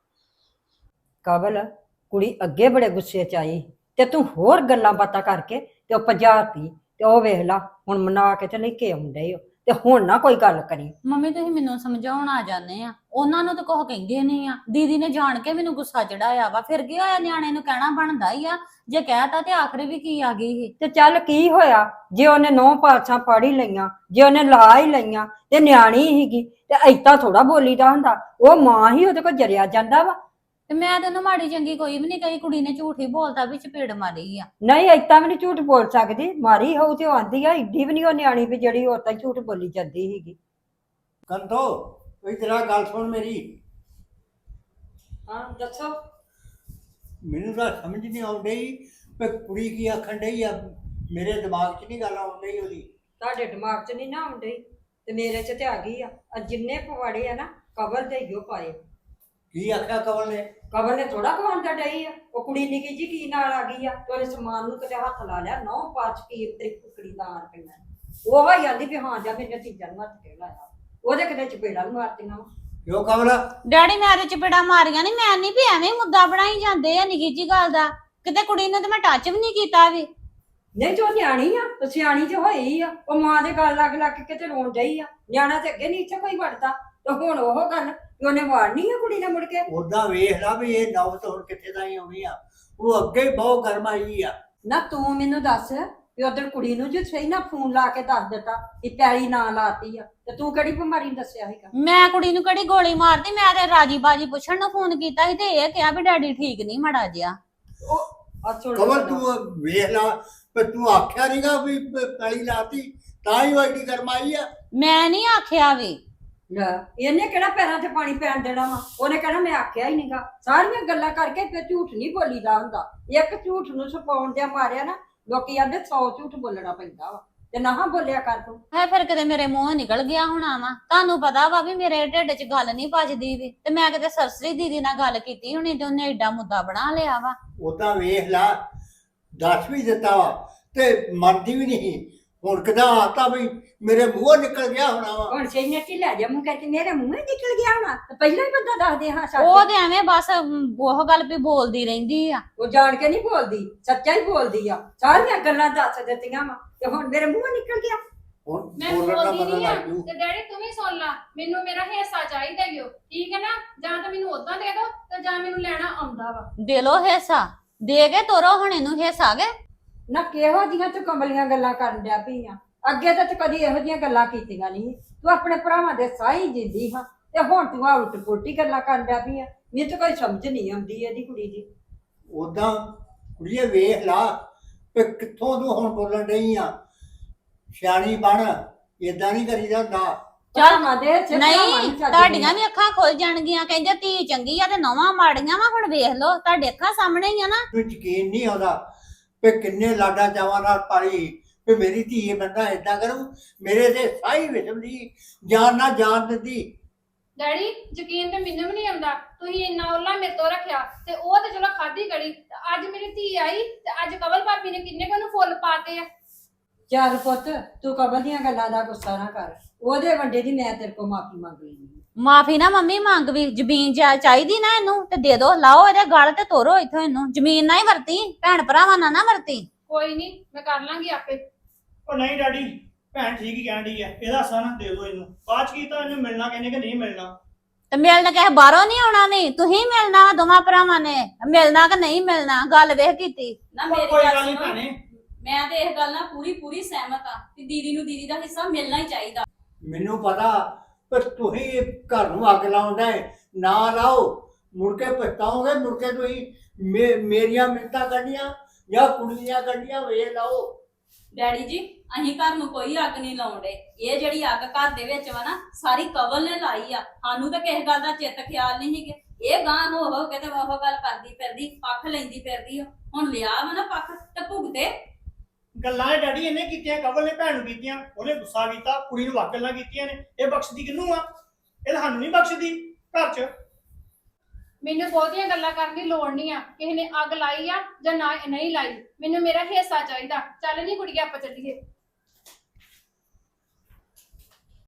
ਕਬਲ ਕੁੜੀ ਅੱਗੇ ਬੜੇ ਗੁੱਸੇ ਚ ਆਈ ਤੇ ਤੂੰ ਹੋਰ ਗੱਲਾਂ ਬਾਤਾਂ ਕਰਕੇ ਤੇ ਉਹ ਪੰਜਾਤੀ ਤੇ ਉਹ ਵੇਖ ਲਾ ਹੁਣ ਮਨਾ ਕੇ ਤੇ ਲੈ ਕੇ ਆਉਂਦੇ ਹੋ ਤੇ ਹੁਣ ਨਾ ਕੋਈ ਗੱਲ ਕਰੀ। ਮੰਮੀ ਤੁਸੀਂ ਮੈਨੂੰ ਸਮਝਾਉਣ ਆ ਜਾਂਦੇ ਆ, ਉਹਨਾਂ ਨੂੰ ਤਾਂ ਕੁਝ ਕਹਿੰਦੇ ਨਹੀਂ ਆ। ਦੀਦੀ ਨੇ ਜਾਣ ਕੇ ਮੈਨੂੰ ਗੁੱਸਾ ਚੜਾਇਆ ਵਾ, ਫਿਰ ਕੀ ਹੋਇਆ? ਨਿਆਣੇ ਨੂੰ ਕਹਿਣਾ ਬਣਦਾ ਹੀ ਆ, ਜੇ ਕਹਿਤਾ ਤੇ ਆਖਰੀ ਵੀ ਕੀ ਆ ਗਈ ਸੀ। ਤੇ ਚੱਲ ਕੀ ਹੋਇਆ ਜੇ ਉਹਨੇ ਨੌ ਪਾਸਾਂ ਪੜ੍ਹ ਹੀ ਲਈਆਂ, ਜੇ ਉਹਨੇ ਲਾ ਹੀ ਲਈਆਂ ਤੇ ਨਿਆਣੀ ਹੀਗੀ ਤੇ ਏਦਾਂ ਥੋੜਾ ਬੋਲੀਦਾ ਹੁੰਦਾ। ਉਹ ਮਾਂ ਹੀ ਉਹਦੇ ਕੋਲ ਜਰਿਆ ਜਾਂਦਾ ਵਾ। ਤੇ ਮੈਂ ਤੈਨੂੰ ਮਾੜੀ ਚੰਗੀ ਕੋਈ ਵੀ ਨਹੀਂ ਕਹੀ, ਕੁੜੀ ਨੇ ਝੂਠ ਹੀ ਬੋਲਤਾ ਵੀ ਚਪੇੜ ਮਾਰੀ ਆ। ਨਹੀਂ ਏਦਾਂ ਵੀ ਨਹੀਂ ਝੂਠ ਬੋਲ ਸਕਦੀ, ਮਾਰੀ ਹੋਊ ਤੇ ਉਹ ਆਂਦੀ ਆ। ਏਡੀ ਵੀ ਨਹੀਂ ਉਹ ਨਿਆਣੀ ਵੀ ਜਿਹੜੀ ਉਹ ਤਾਂ ਝੂਠ ਬੋਲੀ ਜਾਂਦੀ ਸੀਗੀ। ਕੰਤੋ ਕੋਈ ਤੇਰਾ ਗੱਲ ਸੁਣ ਮੇਰੀ। ਹਾਂ ਦੱਸੋ। ਮੈਨੂੰ ਤਾਂ ਸਮਝ ਨਹੀਂ ਆਉਣ ਡਈ ਵੀ ਕੁੜੀ ਕੀ ਆਖਣ ਡਈ ਆ। ਮੇਰੇ ਦਿਮਾਗ 'ਚ ਨਹੀਂ ਗੱਲ ਆਉਣ ਡਈ ਉਹਦੀ। ਤੁਹਾਡੇ ਦਿਮਾਗ 'ਚ ਨਹੀਂ ਨਾ ਆਉਂਦੀ ਤੇ ਮੇਰੇ 'ਚ ਤੇ ਆ ਗਈ ਆ। ਆ ਜਿੰਨੇ ਪਵਾੜੇ ਆ ਨਾ ਕਬਰ ਦੇ ਹੀ ਉਹ ਪਾਏ। ਕੀ ਆਖਿਆ ਕਵਲ ਨੇ? ਕਬਰ ਨੇ ਥੋੜਾ ਕਵਾਉਂਦਾ ਡਈ ਆ। ਉਹ ਕੁੜੀ ਨਿੱਕੀ ਜੀ ਕੀ ਨਾਲ ਆ ਗਈ ਆ ਤੇ ਉਹਨੇ ਸਮਾਨ ਨੂੰ ਕਿਤੇ ਹੱਥ ਲਾ ਲਿਆ। ਨੌ ਪਾਚ ਕੀ ਤੇਰੀ ਕੁਕੜੀ ਦਾ ਆਣ ਪੈਣਾ। ਉਹ ਹੀ ਆਂਦੀ ਵੀ ਹਾਂ ਜਾ ਮੇਰੇ ਚੀਜ਼ਾਂ ਨੂੰ ਹੱਥ ਕੇ ਲਾਇਆ। ਉਹਦੇ ਕਿਤੇ ਚਪੇੜਾ ਨੂੰ ਮਾਰਤੀਆਂ ਵਾ। ਕਿਉਂ ਕਵਲ? ਡੈਡੀ ਮੈਂ ਤੇ ਚਪੇੜਾ ਮਾਰੀਆਂ ਨਹੀਂ, ਮੈਂ ਨਹੀਂ ਵੀ ਐਵੇਂ ਮੁੱਦਾ ਬਣਾਈ ਜਾਂਦੇ ਆ ਨਿੱਕੀ ਜੀ ਗੱਲ ਦਾ। ਕਿਤੇ ਕੁੜੀ ਨੂੰ ਤੇ ਮੈਂ ਟੱਚ ਵੀ ਨਹੀਂ ਕੀਤਾ ਵੀ। ਨਹੀਂ ਜੋ ਨਿਆਣੀ ਆ ਉਹ ਸਿਆਣੀ ਤੇ ਹੋਈ ਆ। ਉਹ ਮਾਂ ਦੇ ਗੱਲ ਲੱਗ ਲੱਗ ਕੇ ਕਿਤੇ ਰੋਣ ਡਈ ਆ। ਨਿਆਣਾ ਤੇ ਅੱਗੇ ਨਹੀਂ ਇੱਥੇ ਕੋਈ ਵੜਦਾ ਤੇ ਹੁਣ ਉਹ ਗੱਲ ਉਹਨੇ ਵਾੜਨੀ ਆ ਕੁੜੀ ਨੇ ਮੁੜ ਕੇ। ਉਦਾਂ ਵੇਖ ਲਾ ਵੀ ਇਹ ਨੌਬਤ ਹੁਣ ਕਿੱਥੇ ਤਾਈਂ ਆਉਣੀ ਆ। ਉਹ ਅੱਗੇ ਹੀ ਬਹੁਤ ਗਰਮ ਆਈ ਆ। ਨਾ ਤੂੰ ਮੈਨੂੰ ਦੱਸ ਵੀ ਉਧਰ ਕੁੜੀ ਨੂੰ ਜੇ ਸਹੀ ਨਾ ਫੋਨ ਲਾ ਕੇ ਦੱਸ ਦਿੱਤਾ ਕਿ ਪੈਲੀ ਨਾ ਲਾਤੀ ਆ ਤੇ ਤੂੰ ਕਿਹੜੀ ਬਿਮਾਰੀ ਨੂੰ ਦੱਸਿਆ ਸੀਗਾ? ਮੈਂ ਕੁੜੀ ਨੂੰ ਕਿਹੜੀ ਗੋਲੀ ਮਾਰਦੀ, ਮੈਂ ਤੇ ਰਾਜੀ ਬਾਜੀ ਪੁੱਛਣ ਨੂੰ ਫੋਨ ਕੀਤਾ ਸੀ ਤੇ ਇਹ ਕਿਹਾ ਵੀ ਡੈਡੀ ਠੀਕ ਨਹੀਂ ਮਾੜਾ ਜਿਹਾ। ਉਹ ਆ ਸੁਣ ਕਵਲ ਤੂੰ ਵੇਖ ਲਾ ਪਰ ਤੂੰ ਆਖਿਆ ਨਹੀਂਗਾ ਵੀ ਪ- ਪੈਲੀ ਲਾਤੀ ਤਾਂ ਹੀ ਉਹ ਐਡੀ ਗਰਮ ਆਈ ਆ। ਮੈਂ ਨਹੀਂ ਆਖਿਆ ਵੀ। ਲੈ ਇਹਨੇ ਕਿਹੜਾ ਪੈਰਾਂ ਤੇ ਪਾਣੀ ਪੈਣ ਦੇਣਾ ਵਾ? ਉਹਨੇ ਕਹਿਣਾ ਮੈਂ ਆਖਿਆ ਹੀ ਨਹੀਂਗਾ। ਸਾਰੀਆਂ ਗੱਲਾਂ ਕਰਕੇ ਫਿਰ ਝੂਠ ਨਹੀਂ ਬੋਲੀਦਾ ਹੁੰਦਾ। ਇੱਕ ਝੂਠ ਨੂੰ ਛਪਾਉਣ ਦੇ ਮਾਰਿਆ ਨਾ ਲੋਕੀ ਆਂਦੇ ਸੌ ਝੂਠ ਬੋਲਣਾ ਪੈਂਦਾ ਵਾ ਤੇ ਨਾ ਬੋਲਿਆ ਕਰ ਤੂੰ। ਹੈ ਫਿਰ ਕਿਤੇ ਮੇਰੇ ਮੂੰਹੋਂ ਨਿਕਲ ਗਿਆ ਹੋਣਾ ਵਾ। ਤੁਹਾਨੂੰ ਪਤਾ ਵਾ ਵੀ ਮੇਰੇ ਢਿੱਡ 'ਚ ਗੱਲ ਨਹੀਂ ਪਚਦੀ ਵੀ, ਤੇ ਮੈਂ ਕਿਤੇ ਸਰਸਰੀ ਦੀਦੀ ਨਾਲ ਗੱਲ ਕੀਤੀ ਹੋਣੀ ਤੇ ਉਹਨੇ ਏਡਾ ਮੁੱਦਾ ਬਣਾ ਲਿਆ ਵਾ। ਉਦਾਂ ਵੇਖ ਲਾ ਦੱਸ ਵੀ ਦਿੱਤਾ ਵਾ ਤੇ ਮੰਨਦੀ ਵੀ ਨਹੀਂ। ਹੁਣ ਕਿਦਾਂ ਆਤਾ ਵੀ ਮੇਰੇ ਮੂੰਹੋਂ ਨਿਕਲ ਗਿਆ ਹੋਣਾ ਵਾ। ਹੁਣ ਸਹੀ ਨੇ ਢਿੱਲਾ ਜਾ ਮੂੰਹ ਕਰਕੇ ਮੇਰੇ ਮੂੰਹ ਹੀ ਨਿਕਲ ਗਿਆ ਹੋਣਾ ਤੇ ਪਹਿਲਾਂ ਹੀ ਬੰਦਾ ਦੱਸਦੇ ਹਾਂ ਸੱਚ। ਉਹ ਤੇ ਐਵੇਂ ਬਸ ਅਮ, ਉਹ ਗੱਲ ਵੀ ਬੋਲਦੀ ਰਹਿੰਦੀ ਆ। ਉਹ ਜਾਣ ਕੇ ਨਹੀਂ ਬੋਲਦੀ, ਸੱਚਾ ਹੀ ਬੋਲਦੀ ਆ। ਸਾਰੀਆਂ ਗੱਲਾਂ ਦੱਸ ਦਿੱਤੀਆਂ ਵਾ ਤੇ ਹੁਣ ਮੇਰੇ ਮੂੰਹੋਂ ਨਿਕਲ ਗਿਆ। ਹੁਣ ਮੈਂ ਬੋਲਣ ਦਾ ਬੋਲਦੀ ਪਤਾ ਨਹੀਂ ਆ ਲੱਗ ਜੂ। ਤੇ ਡੈਡੀ ਤੂੰ ਵੀ ਸੁਣ ਲਾ, ਮੈਨੂੰ ਮੇਰਾ ਹਿੱਸਾ ਚਾਹੀਦਾ ਈ ਓ, ਠੀਕ ਹੈ ਨਾ? ਜਾਂ ਤਾਂ ਮੈਨੂੰ ਉਦਾਂ ਦੇ ਦੋ ਤੇ ਜਾਂ ਮੈਨੂੰ ਲੈਣਾ ਆਉਂਦਾ ਵਾ। ਦੇ ਲੋ ਹਿੱਸਾ, ਦੇ ਕੇ ਤੋਰੋ ਹੁਣ ਇਹਨੂੰ ਹਿੱਸਾ ਕੇ। ਨਾ ਕਿਹੋ ਜੀਆਂ ਤੂੰ ਕਮਲੀਆਂ ਗੱਲਾਂ ਕਰਨ ਡਿਆ ਪਈ ਆ? ਅੱਗੇ ਤਾਂ ਤੂੰ ਕਦੀ ਇਹੋ ਜੀਆਂ ਗੱਲਾਂ ਕੀਤੀਆਂ ਨਹੀਂ। ਤੂੰ ਆਪਣੇ ਭਰਾਵਾਂ ਦੇ ਸਾਈ ਜਿੰਦੀ ਹਾਂ ਤੇ ਹੁਣ ਤੂੰ ਆ ਉਲਟ ਪੁਲਟੀ ਗੱਲਾਂ ਕਰਨ ਡਿਆ ਪਈ ਆ। ਮੈਨੂੰ ਤਾਂ ਕੋਈ ਸਮਝ ਨਹੀਂ ਆਉਂਦੀ ਇਹਦੀ ਕੁੜੀ ਦੀ। ਉਦਾਂ ਕੁੜੀਏ ਵੇਖ ਲਾ ਵੀ ਕਿੱਥੋਂ ਤੂੰ ਹੁਣ ਬੋਲਣ ਡਈ ਆ। ਸਿਆਣੀ ਬਣ, ਏਦਾਂ ਨਹੀਂ ਕਰੀਦਾ ਹੁੰਦਾ। ਭਰਾਵਾਂ ਦੇ ਸਿਰ ਭਰਾਵਾਂ ਨਹੀਂ, ਨੂੰ ਚੱਜ ਤੁਹਾਡੀਆਂ ਵੀ ਅੱਖਾਂ ਖੁੱਲ ਜਾਣਗੀਆਂ। ਕਹਿੰਦੇ ਧੀ ਚੰਗੀ ਆ ਤੇ ਨਵਾਂ ਮਾੜੀਆਂ ਵਾ। ਹੁਣ ਵੇਖ ਲੋ ਤੁਹਾਡੇ ਅੱਖਾਂ ਸਾਹਮਣੇ ਹੀ ਆ ਨਾ। ਤੂੰ ਯਕੀਨ ਨਹੀਂ ਆਉਂਦਾ ਵੀ ਕਿੰਨੇ ਲਾਡਾ ਚਾਵਾਂ ਨਾਲ ਪਾਲੀ ਕਿ ਮੇਰੀ ਧੀ ਬੰਦਾ ਏਦਾਂ ਕਰੂ, ਮੇਰੇ ਤੇ ਸਾਈ ਵਿਸ਼ਮ ਦੀ ਜਾਨ ਨਾ ਜਾਨ ਦਿੰਦੀ। ਡੈਡੀ ਯਕੀਨ ਤੇ ਮੈਨੂੰ ਵੀ ਨਹੀਂ ਆਉਂਦਾ, ਤੁਸੀਂ ਇੰਨਾ ਓਲਾ ਮੇਰੇ ਤੋਂ ਰੱਖਿਆ ਤੇ ਉਹ ਤੇ ਚਲੋ ਖਾਦੀ ਗੜੀ ਤੇ ਅੱਜ ਮੇਰੀ ਧੀ ਆਈ ਤੇ ਅੱਜ ਕਵਲ ਭਾਬੀ ਨੇ ਕਿੰਨੇ ਕੁ ਨੂੰ ਫੁੱਲ ਪਾਤੇ ਆ। ਚੱਲ ਪੁੱਤ ਤੂੰ ਕਬਲ ਦੀਆਂ ਗੱਲਾਂ ਦਾ ਗੁੱਸਾ ਨਾ ਕਰ, ਉਹਦੇ ਵੱਡੇ ਦੀ ਮੈਂ ਤੇਰੇ ਕੋਲ ਮਾਫੀ ਮੰਗ ਲਈ। ਮਾਫੀ ਨਾ ਮੰਮੀ ਮੰਗ ਵੀ, ਜ਼ਮੀਨ ਜਾ ਚਾਹੀਦੀ ਨਾ ਇਹਨੂੰ ਤੇ ਦੇ ਦੋ, ਲਾਓ ਇਹਦੇ ਗਲ ਤੇ ਤੋਰੋ ਇੱਥੋਂ ਇਹਨੂੰ, ਜ਼ਮੀਨ ਨਾ ਹੀ ਵਰਤੀ, ਭੈਣ ਭਰਾਵਾਂ ਨਾਲ ਨਾ ਵਰਤੀ। ਕੋਈ ਨਹੀਂ ਮੈਂ ਕਰ ਲਾਂਗੀ ਆਪੇ। ਉਹ ਨਹੀਂ ਡੈਡੀ, ਭੈਣ ਠੀਕ ਹੀ ਕਹਿਣ ਡਈ ਹੈ, ਇਹਦਾ ਹਿੱਸਾ ਨਾ ਦੇ ਦਿਓ ਇਹਨੂੰ। ਬਾਅਦ ਚ ਕੀਤਾ ਇਹਨੂੰ ਮਿਲਣਾ ਕਹਿੰਦੇ ਕਿ ਨਹੀਂ ਮਿਲਣਾ। ਤੇ ਮਿਲਣ ਕਿਸੇ ਬਾਹਰੋਂ ਨਹੀਂ ਆਉਣਾ, ਨਹੀਂ ਤੁਸੀਂ ਮਿਲਣਾ ਦੋਵਾਂ ਭਰਾਵਾਂ ਨੇ, ਮਿਲਣਾ ਕਿ ਨਹੀਂ ਮਿਲਣਾ ਗੱਲ ਵੇਖ ਕੀਤੀ। ਨਾ ਉਹ ਮੇਰੀ ਕੋਈ ਗੱਲ ਗੱਲ ਨਹੀਂ ਸੁਣੋ, ਭੈਣੇ, ਮੈਂ ਤੇ ਇਸ ਗੱਲ ਨਾਲ ਪੂਰੀ ਪੂਰੀ ਸਹਿਮਤ ਆ ਕਿ ਦੀਦੀ ਨੂੰ ਦੀਦੀ ਦਾ ਹਿੱਸਾ ਮਿਲਣਾ ਹੀ ਚਾਹੀਦਾ। ਮੈਨੂੰ ਪਤਾ ਪਰ ਤੁਸੀਂ ਘਰ ਨੂੰ ਅੱਗ ਲਾਉਂਦਾ ਹੈ, ਨਾ ਲਾਓ, ਮੁੜ ਕੇ ਪਛਤਾਓਗੇ। ਮੁੜ ਕੇ ਤੁਸੀਂ ਮੇ- ਮੇਰੀਆਂ ਮਿੰਤਾਂ ਕੱਢੀਆਂ ਜਾਂ ਕੁੜੀ ਦੀਆਂ ਕੱਢੀਆਂ ਵੇਖ ਲਾਓ। ਡੈਡੀ ਜੀ ਅਸੀਂ ਘਰ ਨੂੰ ਕੋਈ ਅੱਗ ਨਹੀਂ ਲਾਉਂਦੇ, ਇਹ ਜਿਹੜੀ ਅੱਗ ਘਰ ਦੇ ਵਿੱਚ ਵਾ ਨਾ ਸਾਰੀ ਕਵਲ ਨੇ ਲਾਈ ਆ। ਸਾਨੂੰ ਤਾਂ ਕਿਸੇ ਗੱਲ ਦਾ ਚਿੱਤ ਖਿਆਲ ਨਹੀਂ ਸੀਗੇ, ਇਹ ਗਾਂ ਹੋ ਹੋ ਕੇ ਤੇ ਉਹ ਗੱਲ ਕਰਦੀ ਫਿਰਦੀ, ਪੱਖ ਲੈਂਦੀ ਫਿਰਦੀ ਆ। ਹੁਣ ਲਿਆ ਵਾ ਨਾ ਪੱਖ ਤੇ ਭੁਗਤੇ। ਗੱਲਾਂ ਇਹ ਡੈਡੀ ਇਹਨੇ ਕੀਤੀਆਂ, ਕਵਲ ਨੇ ਭੈਣ ਨੂੰ ਕੀਤੀਆਂ, ਉਹਨੇ ਗੁੱਸਾ ਕੀਤਾ, ਕੁੜੀ ਨੂੰ ਵਾਕ ਗੱਲਾਂ ਕੀਤੀਆਂ ਨੇ। ਇਹ ਬਖਸ਼ਦੀ ਕਿਹਨੂੰ ਆ? ਇਹ ਸਾਨੂੰ ਨਹੀਂ ਬਖਸ਼ਦੀ ਘਰ 'ਚ। ਮੈਨੂੰ ਬਹੁਤੀਆਂ ਗੱਲਾਂ ਕਰਨ ਦੀ ਲੋੜ ਨਹੀਂ ਆ, ਕਿਸੇ ਨੇ ਅੱਗ ਲਾਈ ਆ ਜਾਂ ਨਾ ਨਹੀਂ ਲਾਈ, ਮੈਨੂੰ ਮੇਰਾ ਹਿੱਸਾ ਚਾਹੀਦਾ। ਚੱਲ ਨਹੀਂ ਕੁੜੀਆਂ ਆਪਾਂ ਚੱਲੀਏ।